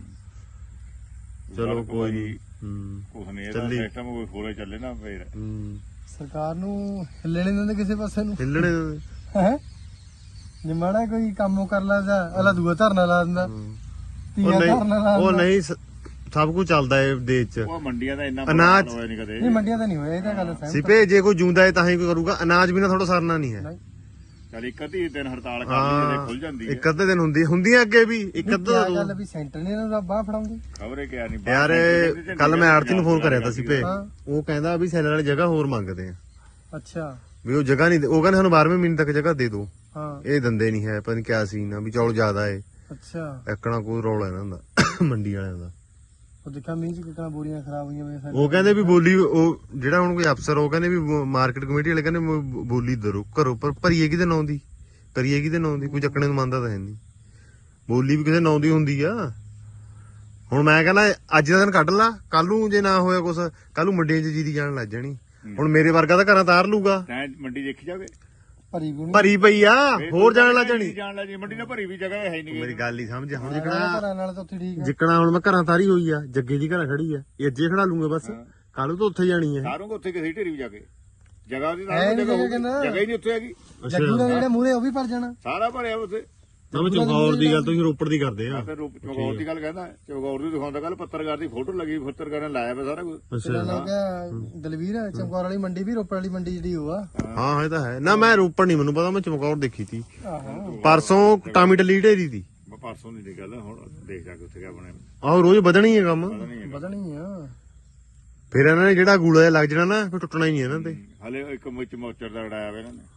Speaker 3: ਚਲੋ ਕੋਈ
Speaker 4: ਨਹੀਂ
Speaker 3: ਹੂੰ
Speaker 4: ਕੁਛ ਨਹੀਂ ਇਹਦਾ ਸਿਸਟਮ ਕੋਈ ਹੋਰੇ ਚੱਲੇ ਨਾ ਫੇਰ
Speaker 3: ਹੂੰ
Speaker 2: ਸਰਕਾਰ ਨੂੰ ਹਿੱਲਣੇ ਨਹੀਂ ਦਿੰਦੇ ਕਿਸੇ ਪਾਸੇ ਨੂੰ
Speaker 3: ਹਿੱਲਣੇ
Speaker 2: ਹੈ ਜੇ ਮਾੜਾ ਕੋਈ ਕੰਮ ਕਰ ਲੈਂਦਾ ਅਲਾ ਦੂਆ ਧਰਨਾ ਲਾ ਦਿੰਦਾ
Speaker 3: ਉਹ ਨਹੀਂ ਉਹ ਨਹੀਂ ਸਭ ਕੁਝ ਚੱਲਦਾ ਹੈ ਦੇਸ਼ 'ਚ
Speaker 4: ਉਹ ਮੰਡੀਆਂ ਦਾ ਇੰਨਾ
Speaker 3: ਅਨਾਜ
Speaker 4: ਹੋਇਆ ਨਹੀਂ ਕਦੇ
Speaker 2: ਨਹੀਂ ਮੰਡੀਆਂ ਤਾਂ ਨਹੀਂ ਹੋਇਆ ਇਹ ਤਾਂ ਗੱਲ ਸਹੀ।
Speaker 3: ਸਿਪੇ ਜੇ ਕੋਈ ਜੂੰਦਾ ਹੈ ਤਾਂ ਹੀ ਕੋਈ ਕਰੂਗਾ ਅਨਾਜ ਬਿਨਾ ਥੋੜਾ ਸਰਨਾ ਨਹੀਂ ਹੈ
Speaker 4: ਚੱਲ ਇੱਕ ਅੱਧੀ ਦਿਨ ਹੜਤਾਲ ਕਰ ਲਈ ਤੇ ਖੁੱਲ ਜਾਂਦੀ ਹੈ
Speaker 3: ਇੱਕ ਅੱਧੇ ਦਿਨ ਹੁੰਦੀਆਂ ਅੱਗੇ ਵੀ ਇੱਕ ਅੱਧਾ
Speaker 2: ਕੀ ਗੱਲ ਵੀ ਸੈਂਟਰ ਨੇ ਇਹਨਾਂ ਬਾਹ ਫੜਾਉਂਦੀ
Speaker 4: ਖਬਰੇ ਕਿਆ ਨਹੀਂ
Speaker 3: ਯਾਰ ਕੱਲ ਮੈਂ ਆੜਤੀ ਨੂੰ ਫੋਨ ਕਰਿਆ ਤਾਂ ਸਿਪੇ ਉਹ ਕਹਿੰਦਾ ਵੀ ਸੈਲਰ ਵਾਲੀ ਜਗ੍ਹਾ ਹੋਰ ਮੰਗਦੇ ਆ
Speaker 2: ਅੱਛਾ
Speaker 3: ਵੀ ਉਹ ਜਗ੍ਹਾ ਨਹੀਂ ਉਹ ਕਹਿੰਦੇ ਸਾਨੂੰ 12ਵੇਂ ਮਹੀਨੇ ਤੱਕ ਜਗ੍ਹਾ ਦੇ ਦਿਓ
Speaker 2: ਹਾਂ
Speaker 3: ਇਹ ਦੰਦੇ ਨਹੀਂ ਹੈ ਪਤਾ ਨਹੀਂ ਕਿਆ ਸੀਨ ਆ ਵੀ ਚੌਲ ਜ਼ਿਆਦਾ ਏ
Speaker 2: ਅੱਛਾ
Speaker 3: ਐਕਣਾ ਕੋਈ ਰੌਲਾ ਇਹਨਾਂ ਦਾ ਮੰਡੀ ਵਾਲਿਆਂ ਦਾ
Speaker 2: ਉਹ ਦੇਖਿਆ ਮੀਂਹ ਚ ਕਿਤਨਾ ਬੋਰੀਆਂ ਖਰਾਬ ਹੋਈਆਂ ਵੇ
Speaker 3: ਉਹ ਕਹਿੰਦੇ ਵੀ ਬੋਲੀ ਉਹ ਜਿਹੜਾ ਹੁਣ ਕੋਈ ਅਫਸਰ ਉਹ ਕਹਿੰਦੇ ਵੀ ਮਾਰਕੀਟ ਕਮੇਟੀ ਵਾਲੇ ਕਹਿੰਦੇ ਬੋਲੀ ਦਰੋ ਘਰੋਂ ਪਰ ਭਰੀਏ ਕਿਤੇ ਨਾਂ ਦੀ ਕਰੀਏ ਕਿਤੇ ਨਾਂ ਦੀ ਕੋਈ ਚੱਕਣੇ ਨੂੰ ਮੰਨਦਾ ਤਾਂ ਹੈ ਨਹੀਂ ਬੋਲੀ ਵੀ ਕਿਸੇ ਨਾਂ ਦੀ ਹੁੰਦੀ ਆ ਹੁਣ ਮੈਂ ਕਹਿੰਦਾ ਅੱਜ ਦਾ ਦਿਨ ਕੱਢ ਲਾ ਕੱਲ ਨੂੰ ਜੇ ਨਾ ਹੋਇਆ ਕੁਛ ਕੱਲ ਨੂੰ ਮੰਡੀਆਂ 'ਚ ਜੀਰੀ ਜਾਣ ਲੱਗ ਜਾਣੀ ਹੁਣ ਮੇਰੇ ਵਰਗਾ ਤਾਂ ਘਰਾਂ ਤਾਰ ਲੂਗਾ
Speaker 4: ਤੈਂ ਮੰਡੀ ਦੇਖੀ ਜਾਵੇ
Speaker 2: ਭਰੀ ਗੁਣੀ
Speaker 3: ਭਰੀ ਪਈ ਆ ਹੋਰ ਜਾਣ ਲੱਗ ਜਾਣੀ
Speaker 4: ਜਾਣ ਲੱਗ ਜੀ ਮੰਡੀ ਨਾਲ ਭਰੀ ਵੀ ਜਗ੍ਹਾ ਹੈ ਨਹੀਂ
Speaker 3: ਮੇਰੀ ਗੱਲ ਹੀ ਸਮਝ ਹੁਣ
Speaker 2: ਘਰਾਂ ਨਾਲ ਤਾਂ ਉੱਥੇ ਠੀਕ ਆ।
Speaker 3: ਜਿੱਕਣਾ ਹੁਣ ਮੈਂ ਘਰਾਂ ਤਾਰੀ ਹੋਈ ਆ ਜੱਗੇ ਦੀ ਘਰਾਂ ਖੜੀ ਆ ਇਹ ਅੱਜੇ ਖੜਾ ਲੂੰਗਾ ਬਸ ਕੱਲ ਨੂੰ ਤਾਂ ਉੱਥੇ ਜਾਣੀ ਆ
Speaker 4: ਸਾਰੋਂ ਉੱਥੇ ਕਿਸੇ ਢੇਰੀ ਵੀ ਜਾ ਕੇ ਜਗ੍ਹਾ ਦੀ
Speaker 2: ਹੈ ਨੀ
Speaker 4: ਜਗ੍ਹਾ
Speaker 2: ਜਗ੍ਹਾ ਕਹਿੰਦਾ।
Speaker 4: ਜਗ੍ਹਾ ਹੀ ਨਹੀਂ ਉੱਥੇ ਹੈਗੀ
Speaker 2: ਜੱਗੂ ਦਾ ਜਿਹੜਾ ਮੂਹਰੇ ਉਹ ਵੀ ਭਰ ਜਾਣਾ
Speaker 4: ਸਾਰਾ ਭਰਿਆ ਉੱਥੇ
Speaker 3: ਮੈਂ ਚਮਕੌਰ ਦੀ ਗੱਲ ਤੁਸੀਂ ਰੋਪੜ ਦੀ ਕਰਦੇ ਆ
Speaker 4: ਫਿਰ ਚਮਕੌਰ ਦੀ ਗੱਲ ਕਹਿੰਦਾ ਚਮਕੌਰ ਦੀ ਦਿਖਾਉਂਦਾ ਕੱਲ ਪੱਤਰਕਾਰ ਦੀ ਫੋਟੋ ਲੱਗੀ ਪੱਤਰਕਾਰ ਨੇ ਲਾਇਆ ਪਿਆ ਸਾਰਾ ਕੁਝ
Speaker 2: ਇਹਨਾਂ ਨੇ ਕਿਹਾ ਦਲਵੀਰ ਚਮਕੌਰ ਵਾਲੀ ਮੰਡੀ ਵੀ ਰੋਪੜ ਵਾਲੀ ਮੰਡੀ ਜਿਹੜੀ ਉਹ ਆ
Speaker 3: ਹਾਂ ਇਹ ਤਾਂ ਹੈ ਨਾ ਮੈਂ ਰੋਪੜ ਨਹੀਂ ਮੈਨੂੰ ਪਤਾ ਮੈਂ ਚਮਕੌਰ ਦੇਖੀ ਤੀ
Speaker 2: ਆਹੋ
Speaker 3: ਪਰਸੋਂ ਟਾਮੀ ਟਲੀ ਢੇਰੀ ਦੀ
Speaker 4: ਪਰਸੋਂ ਦੀ ਗੱਲ ਹੁਣ ਦੇਖ ਜਾ ਕੇ ਉੱਥੇ ਕਿਆ ਬਣਿਆ
Speaker 3: ਆਹੋ ਰੋਜ਼ ਵਧਣੀ ਹੈ ਕੰਮ
Speaker 2: ਵਧਣੀ ਆ
Speaker 3: ਫਿਰ ਇਹਨਾਂ ਨੇ ਜਿਹੜਾ ਗੂਲਾ ਜਿਹਾ ਲੱਗ ਜਾਣਾ ਨਾ ਫਿਰ ਟੁੱਟਣਾ ਹੀ ਨਹੀਂ ਇਹਨਾਂ ਤੇ
Speaker 4: ਹਲੇ ਇੱਕ ਮੁੱਚ ਮੋਚਰ ਦਾ ਉਡਾਇਆ ਵਾ ਇਹਨਾਂ ਨੇ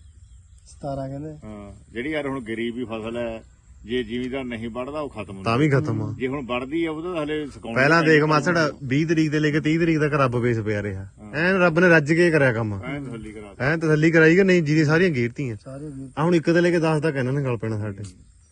Speaker 2: 17 ਕਹਿੰਦੇ
Speaker 4: ਹਾਂ ਜਿਹੜੀ ਯਾਰ ਹੁਣ ਗਰੀਬੀ ਫਸਲ ਹੈ ਜੇ ਜ਼ਿਮੀਦਾਰ ਨਹੀਂ ਵੱਢਦਾ ਉਹ ਖਤਮ ਹੁੰਦਾ
Speaker 3: ਤਾਂ ਵੀ ਖਤਮ ਆ
Speaker 4: ਜੇ ਹੁਣ ਵੱਢਦੀ ਆ ਉਹਦਾ ਹਲੇ ਸੁਕਾਉਣਾ
Speaker 3: ਪਹਿਲਾਂ ਦੇਖ ਮਾਸੜ 20 ਤਰੀਕ ਤੇ ਲੈ ਕੇ 30 ਤਰੀਕ ਤੱਕ ਰੱਬ ਵੇਸ ਪਿਆ ਰਿਹਾ ਐਨ ਰੱਬ ਨੇ ਰੱਜ ਕੇ ਕਰਿਆ ਕੰਮ
Speaker 4: ਐਂ ਤਸੱਲੀ ਕਰਾ ਦੇ।
Speaker 3: ਐਨ ਤਸੱਲੀ ਕਰਾਈ ਕਿ ਨਹੀਂ ਜਿਹਦੀ ਸਾਰੀਆਂ ਗੇਰਤੀਆਂ
Speaker 2: ਸਾਰੇ ਵੀਰ
Speaker 3: ਆ ਹੁਣ ਇੱਕ ਤੇ ਲੈ ਕੇ 10 ਤੱਕ ਇਹਨਾਂ ਨੇ ਗੱਲ ਪੈਣਾ ਸਾਡੇ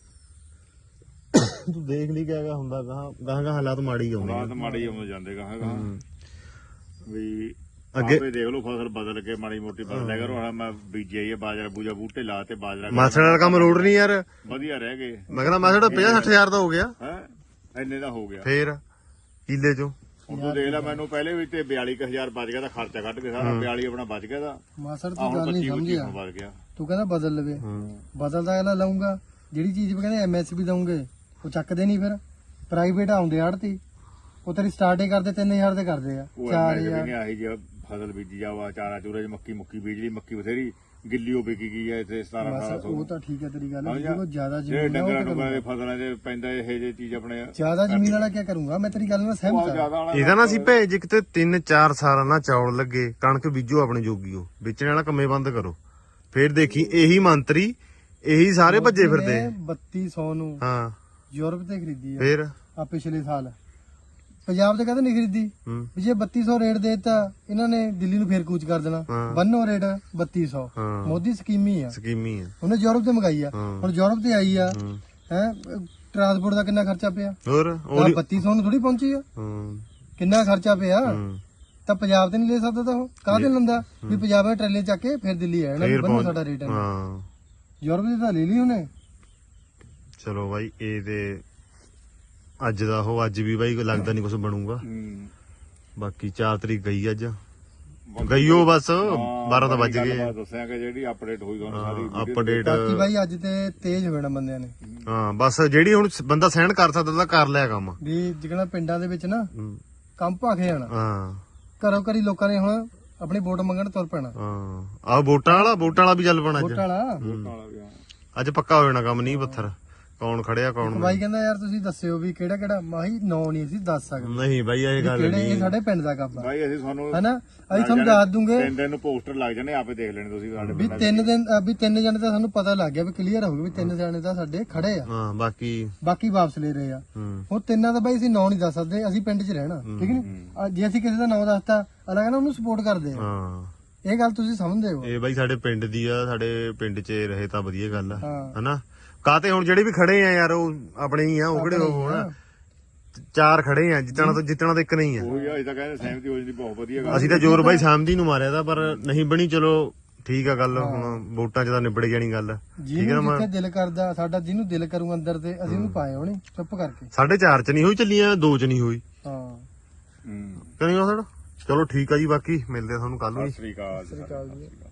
Speaker 3: ਤੂੰ ਦੇਖ ਲਈ ਕਿਆ ਹੁੰਦਾ ਗਾਹਾਂ ਹਾਲਾਤ ਮਾੜੀ ਆਉਂਦੇ
Speaker 4: ਰਾਤ ਮਾੜੀ ਆਉਂਦੇ ਜਾਂਦੇ ਕਹਾਂਗਾ ਵੀ
Speaker 3: ਅੱਗੇ-
Speaker 4: ਆਪੇ ਦੇਖ ਲਓ ਫਸਲ ਬਦਲ ਕੇ ਮਾੜੀ ਮੋਟੀ ਬਦਲ ਲਿਆ ਕਰੋ ਹੁਣ ਮੈਂ ਬੀਜਿਆ ਹੀ ਆ ਬਾਜਰਾ ਬੂਜਾ ਬੂਟੇ ਲਾ ਤੇ ਬਾਜਰਾ
Speaker 3: ਮਾਸੜ ਵਾਲਾ ਕੰਮ ਰੋਡ ਨਹੀਂ ਯਾਰ
Speaker 4: ਵਧੀਆ ਰਹਿ ਗਏ
Speaker 3: ਮੈਂ ਕਹਿੰਦਾ ਮਾਸੜ 50-60 ਹਜ਼ਾਰ ਦਾ ਹੋ ਗਿਆ
Speaker 4: ਹੈ ਇੰਨੇ ਦਾ ਹੋ ਗਿਆ
Speaker 3: ਫੇਰ ਕਿੱਲੇ ਚੋਂ
Speaker 4: ਹੁਣ ਤੂੰ ਦੇਖ ਲੈ ਮੈਨੂੰ ਪਹਿਲੇ ਵੀ ਤੇ 42000 ਬਚ ਗਿਆ ਦਾ ਖਰਚਾ ਕੱਢ ਕੇ ਸਾਰਾ 42 ਆਪਣਾ ਬਚ ਗਿਆ ਦਾ
Speaker 2: ਮਾਸੜ
Speaker 4: ਆ
Speaker 2: ਤੂੰ
Speaker 4: ਹੁਣ
Speaker 2: ਗੱਲ ਨਹੀਂ
Speaker 4: 25
Speaker 2: ਸਮਝਿਆ
Speaker 4: ਹੁਣ ਬਚ ਗਿਆ
Speaker 2: ਤੂੰ ਕਹਿੰਦਾ ਬਦਲ ਲਵੇ ਬਦਲਦਾ ਅਗਲਾ ਲਾਉਂਗਾ ਜਿਹੜੀ ਚੀਜ਼ ਵੀ ਕਹਿੰਦੇ ਐਮਐਸਪੀ ਦਊਂਗੇ ਉਹ ਚੱਕਦੇ ਨਹੀਂ ਫਿਰ ਪ੍ਰਾਈਵੇਟ ਆਉਂਦੇ ਆੜਤੀ ਉਹ ਤੇਰੀ ਸਟਾਰਟਿੰਗ ਕਰਦੇ 3000 ਦੇ ਕਰਦੇ ਆ
Speaker 4: ਉਹ
Speaker 2: 4000
Speaker 4: ਨਹੀਂ ਆਹੀ ਜੇ ਫਸਲ ਬੀਜੀ ਜਾਵਾ ਚਾਰਾ ਚੂਰੇ ਚ ਮੱਕੀ ਬੀਜ ਲਈ ਮੱਕੀ ਬਥੇਰੀ ਗਿੱਲੀਓ ਵਿਕੀ ਗਈ ਹੈ ਇੱਥੇ 17-1800
Speaker 2: ਉਹ ਤਾਂ ਠੀਕ ਹੈ ਤੇਰੀ ਗੱਲ
Speaker 4: ਸਮਝਿਆ?
Speaker 2: ਜਿਹੋ ਜ਼ਿਆਦਾ
Speaker 4: ਜਿਹੜੇ
Speaker 2: ਜ਼ਮੀਨ ਆ ਉਹ
Speaker 4: ਡੰਗਰਾਂ
Speaker 2: ਤਾਂ
Speaker 4: ਨੂੰ
Speaker 2: ਕਰੂੰਗਾ।
Speaker 4: ਫਸਲਾਂ 'ਚ ਪੈਂਦਾ ਇਹ ਜੇ ਚੀਜ਼ ਆਪਣੇ
Speaker 2: ਜ਼ਿਆਦਾ ਜ਼ਮੀਨ ਵਾਲਾ ਕੀ ਕਰੂੰਗਾ ਮੈਂ ਤੇਰੀ ਗੱਲ ਨਾਲ ਸਹਿਮਤ
Speaker 4: ਬਹੁਤ
Speaker 2: ਹਾਂ
Speaker 4: ਜ਼ਿਆਦਾ ਵਾਲਾ
Speaker 3: ਇਹਦਾ ਨਾ ਸੀ ਭੇਜ ਕਿਤੇ 3-4 ਸਾਲਾਂ ਨਾਲ ਚੌਲ ਲੱਗੇ ਕਣਕ ਬੀਜੋ ਆਪਣੇ ਜੋਗੀਓ ਵੇਚਣ ਵਾਲਾ ਕੰਮੇ ਬੰਦ ਕਰੋ ਫੇਰ ਦੇਖੀ ਇਹੀ ਮੰਤਰੀ ਇਹੀ ਸਾਰੇ ਭੱਜੇ ਫਿਰਦੇ ਆ।
Speaker 2: 3200 ਨੂੰ
Speaker 3: ਹਾਂ
Speaker 2: ਯੂਰਪ ਤੇ ਖਰੀਦੀ ਆ
Speaker 3: ਫੇਰ
Speaker 2: ਆ ਪਿਛਲੇ ਸਾਲ ਪੰਜਾਬ ਤੇ ਕਦੇ ਨਹੀਂ ਖਰੀਦੀ
Speaker 3: ਹੂੰ
Speaker 2: ਵੀ ਜੇ 3200 ਰੇਟ ਦੇਤਾ ਇਹਨਾਂ ਨੇ ਦਿੱਲੀ ਨੂੰ ਫੇਰ ਕੂਚ ਕਰ ਦੇਣਾ
Speaker 3: ਹਾਂ।
Speaker 2: ਬੰਨੋ ਰੇਟ 3200
Speaker 3: ਹਾਂ।
Speaker 2: ਮੋਦੀ ਸਕੀਮੀ ਆ
Speaker 3: ਸਕੀਮੀ ਆ
Speaker 2: ਉਹਨੇ ਯੂਰਪ ਤੇ ਮੰਗਾਈ ਆ
Speaker 3: ਹਾਂ।
Speaker 2: ਹੁਣ ਯੂਰਪ ਤੇ ਆਈ ਆ
Speaker 3: ਹੂੰ।
Speaker 2: ਹੈ ਟਰਾਂਸਪੋਰਟ ਦਾ ਕਿੰਨਾ ਖਰਚਾ ਪਿਆ
Speaker 3: ਹੋਰ
Speaker 2: ਆਹ
Speaker 3: ਉਹਦੀ
Speaker 2: 3200 ਨੂੰ ਥੋੜੀ ਪਹੁੰਚੀ ਆ
Speaker 3: ਹੂੰ
Speaker 2: ਕਿੰਨਾ ਖਰਚਾ ਪਿਆ
Speaker 3: ਹੂੰ
Speaker 2: ਤਾਂ ਪੰਜਾਬ ਤੇ ਨਹੀਂ ਲੈ ਸਕਦਾ ਤਾਂ ਉਹ ਕਾਹਦੇ ਲੰਦਾ ਵੀ ਪੰਜਾਬ ਦੇ ਟਰੇਲੇ ਚੱਕ ਕੇ ਫਿਰ ਦਿੱਲੀ ਆ ਜਾਣਾ ਵੀ
Speaker 3: ਫੇਰ
Speaker 2: ਬੰਨੋ
Speaker 3: ਪਹੁੰਚ
Speaker 2: ਸਾਡਾ ਰੇਟ ਹੈ
Speaker 3: ਹਾਂ
Speaker 2: ਯੂਰਪ ਦੇ ਤਾਂ ਲੈ ਲਈ ਉਹਨੇ
Speaker 3: ਚਲੋ ਬਾਈ ਇਹ ਤੇ ਅੱਜ ਦਾ ਉਹ ਅੱਜ ਵੀ ਬਾਈ ਲੱਗਦਾ ਨਹੀਂ ਕੁਝ ਬਣੂਗਾ ਬਾਕੀ 4 ਤਰੀਕ ਗਈ ਅੱਜ ਗਈਓ ਬਸ 12 ਤਾਂ ਵੱਜ ਗਏ
Speaker 4: ਦੱਸਿਆ ਕਿ ਜਿਹੜੀ ਅਪਡੇਟ ਹੋਈ ਤੁਹਾਨੂੰ ਸਾਰੀ
Speaker 3: ਅਪਡੇਟ
Speaker 2: ਬਾਕੀ ਬਾਈ ਅੱਜ ਤੇ ਤੇਜ਼ ਹੋਣਾ ਬੰਦਿਆਂ ਨੇ
Speaker 3: ਹਾਂ ਬਸ ਜਿਹੜੀ ਹੁਣ ਬੰਦਾ ਸਹਿਣ ਕਰ ਸਕਦਾ ਤਾਂ ਕਰ ਲਿਆ ਕੰਮ
Speaker 2: ਵੀ ਜਿਹੜਾ ਪਿੰਡਾਂ ਦੇ ਵਿੱਚ ਨਾ
Speaker 3: ਹੂੰ।
Speaker 2: ਕੰਮ ਭਾਖੇ ਜਾਣਾ
Speaker 3: ਹਾਂ
Speaker 2: ਘਰੋਂ ਘਰੀ ਲੋਕਾਂ ਨੇ ਹੁਣ ਆਪਣੀ ਵੋਟ ਮੰਗਣ ਤੁਰ ਪੈਣਾ।
Speaker 5: ਹਾਂ ਆਹ ਵੋਟਾਂ ਵਾਲਾ ਵੀ ਚੱਲ ਪਣਾ
Speaker 2: ਵੋਟ
Speaker 5: ਅੱਜ।
Speaker 2: ਵਾਲਾ
Speaker 5: ਅੱਜ ਪੱਕਾ ਹੋ ਜਾਣਾ ਕੰਮ, ਨਹੀਂ ਪੱਥਰ ਕੌਣ ਖੜਿਆ ਕੌਣ ਨਹੀਂ।
Speaker 2: ਬਾਈ ਕਹਿੰਦਾ ਯਾਰ ਤੁਸੀਂ ਦੱਸਿਓ ਵੀ ਕਿਹੜਾ ਕਿਹੜਾ, ਮਾਹੀ ਨਾਂ ਨਹੀਂ ਅਸੀਂ ਦੱਸ ਸਕਦੇ
Speaker 5: ਨਹੀਂ ਬਾਈ ਇਹ ਗੱਲ
Speaker 2: ਕਿਹੜੇ,
Speaker 5: ਨਹੀਂ।
Speaker 2: ਇਹ ਸਾਡੇ ਪਿੰਡ ਦਾ ਕੰਮ ਆ
Speaker 4: ਭਾਈ ਅਸੀਂ ਤੁਹਾਨੂੰ
Speaker 2: ਹਨਾ। ਅਸੀਂ ਤੁਹਾਨੂੰ ਦੱਸ ਦੂੰਗੇ
Speaker 4: 3 ਦਿਨ ਨੂੰ ਪੋਸਟਰ ਲੱਗ ਜਾਣੇ, ਆਪੇ ਦੇਖ ਲੈਣੇ ਤੁਸੀਂ ਸਾਡੇ
Speaker 2: ਵੀ 3 ਦਿਨ ਵੀ 3 ਜਣੇ ਤਾਂ ਸਾਨੂੰ ਪਤਾ ਲੱਗ ਗਿਆ ਵੀ ਕਲੀਅਰ ਹੋ ਗਿਆ ਵੀ 3 ਜਣੇ ਤਾਂ ਸਾਡੇ ਖੜੇ ਆ,
Speaker 5: ਹਾਂ
Speaker 2: ਬਾਕੀ ਵਾਪਸ ਲੈ ਰਹੇ ਆ। ਹੁਣ ਤਿੰਨਾਂ ਦਾ ਬਾਈ ਅਸੀਂ ਨਾਂ ਨਹੀਂ ਦੱਸ ਸਕਦੇ, ਅਸੀਂ ਪਿੰਡ 'ਚ ਰਹਿਣਾ ਠੀਕ ਨੀ। ਜੇ ਅਸੀਂ ਕਿਸੇ ਦਾ ਨਾਂ ਦੱਸਤਾ ਅਗਲਾ ਕਹਿੰਦਾ ਉਹਨੂੰ ਸਪੋਰਟ ਕਰਦੇ ਆ।
Speaker 5: ਹਾਂ
Speaker 2: ਇਹ ਗੱਲ ਤੁਸੀਂ ਸਮਝਦੇ ਹੋ।
Speaker 5: ਇਹ ਬਾਈ ਸਾਡੇ ਪਿੰਡ ਦੀ ਆ, ਸਾਡੇ ਪਿੰਡ 'ਚ ਰਹੇ ਤਾਂ ਵਧੀਆ ਗੱਲ ਆ
Speaker 2: ਹਾਂ।
Speaker 5: ਹਨਾ। ਕਾਤੇ ਹੁਣ ਜਿਹੜੇ ਵੀ ਖੜੇ ਆ ਯਾਰ ਉਹ ਆਪਣੇ ਹੀ ਆ, ਉਹ ਕਿਹੜੇ ਉਹ ਹਨਾ। 4 ਖੜੇ ਆ, ਜਿੱਤਣਾ ਤਾਂ ਇੱਕ ਨਹੀਂ ਆ।
Speaker 4: ਉਹੀ ਅਜੇ ਤਾਂ ਕਹਿੰਦੇ ਸਹਿਮਤੀ ਹੋ ਜਾਂਦੀ, ਬਹੁਤ ਵਧੀਆ ਗੱਲ।
Speaker 5: ਅਸੀਂ ਤਾਂ ਜ਼ੋਰ ਬਾਈ ਸਾਮਦੀ ਨੂੰ ਮਾਰਿਆ ਤਾਂ, ਪਰ ਨਹੀਂ ਬਣੀ। ਚਲੋ ਠੀਕ ਆ ਗੱਲ, ਹੁਣ ਵੋਟਾਂ 'ਚ ਤਾਂ ਨਿਬੜ ਜਾਣੀ ਗੱਲ।
Speaker 2: ਜਿਹਨੂੰ ਜਿੱਥੇ ਦਿਲ ਕਰਦਾ ਸਾਡਾ, ਜਿਹਨੂੰ ਦਿਲ ਕਰੂ ਅੰਦਰ ਤੇ ਅਸੀਂ ਉਹਨੂੰ ਪਾਏ ਹੋਣੇ ਚੁੱਪ ਕਰਕੇ।
Speaker 5: 4.5 'ਚ ਨਹੀਂ ਹੋਈ ਚੱਲੀਆਂ, 2 'ਚ ਨਹੀਂ ਹੋਈ
Speaker 2: ਹਾਂ
Speaker 5: ਕਰੀ ਉਹ। ਚਲੋ ਠੀਕ ਆ ਜੀ, ਬਾਕੀ ਮਿਲਦੇ ਆ ਤੁਹਾਨੂੰ ਕੱਲ ਨੂੰ ਜੀ।
Speaker 4: ਸਤਿ ਸ੍ਰੀ ਅਕਾਲ।
Speaker 2: ਸ੍ਰੀ ਅਕਾਲ ਜੀ।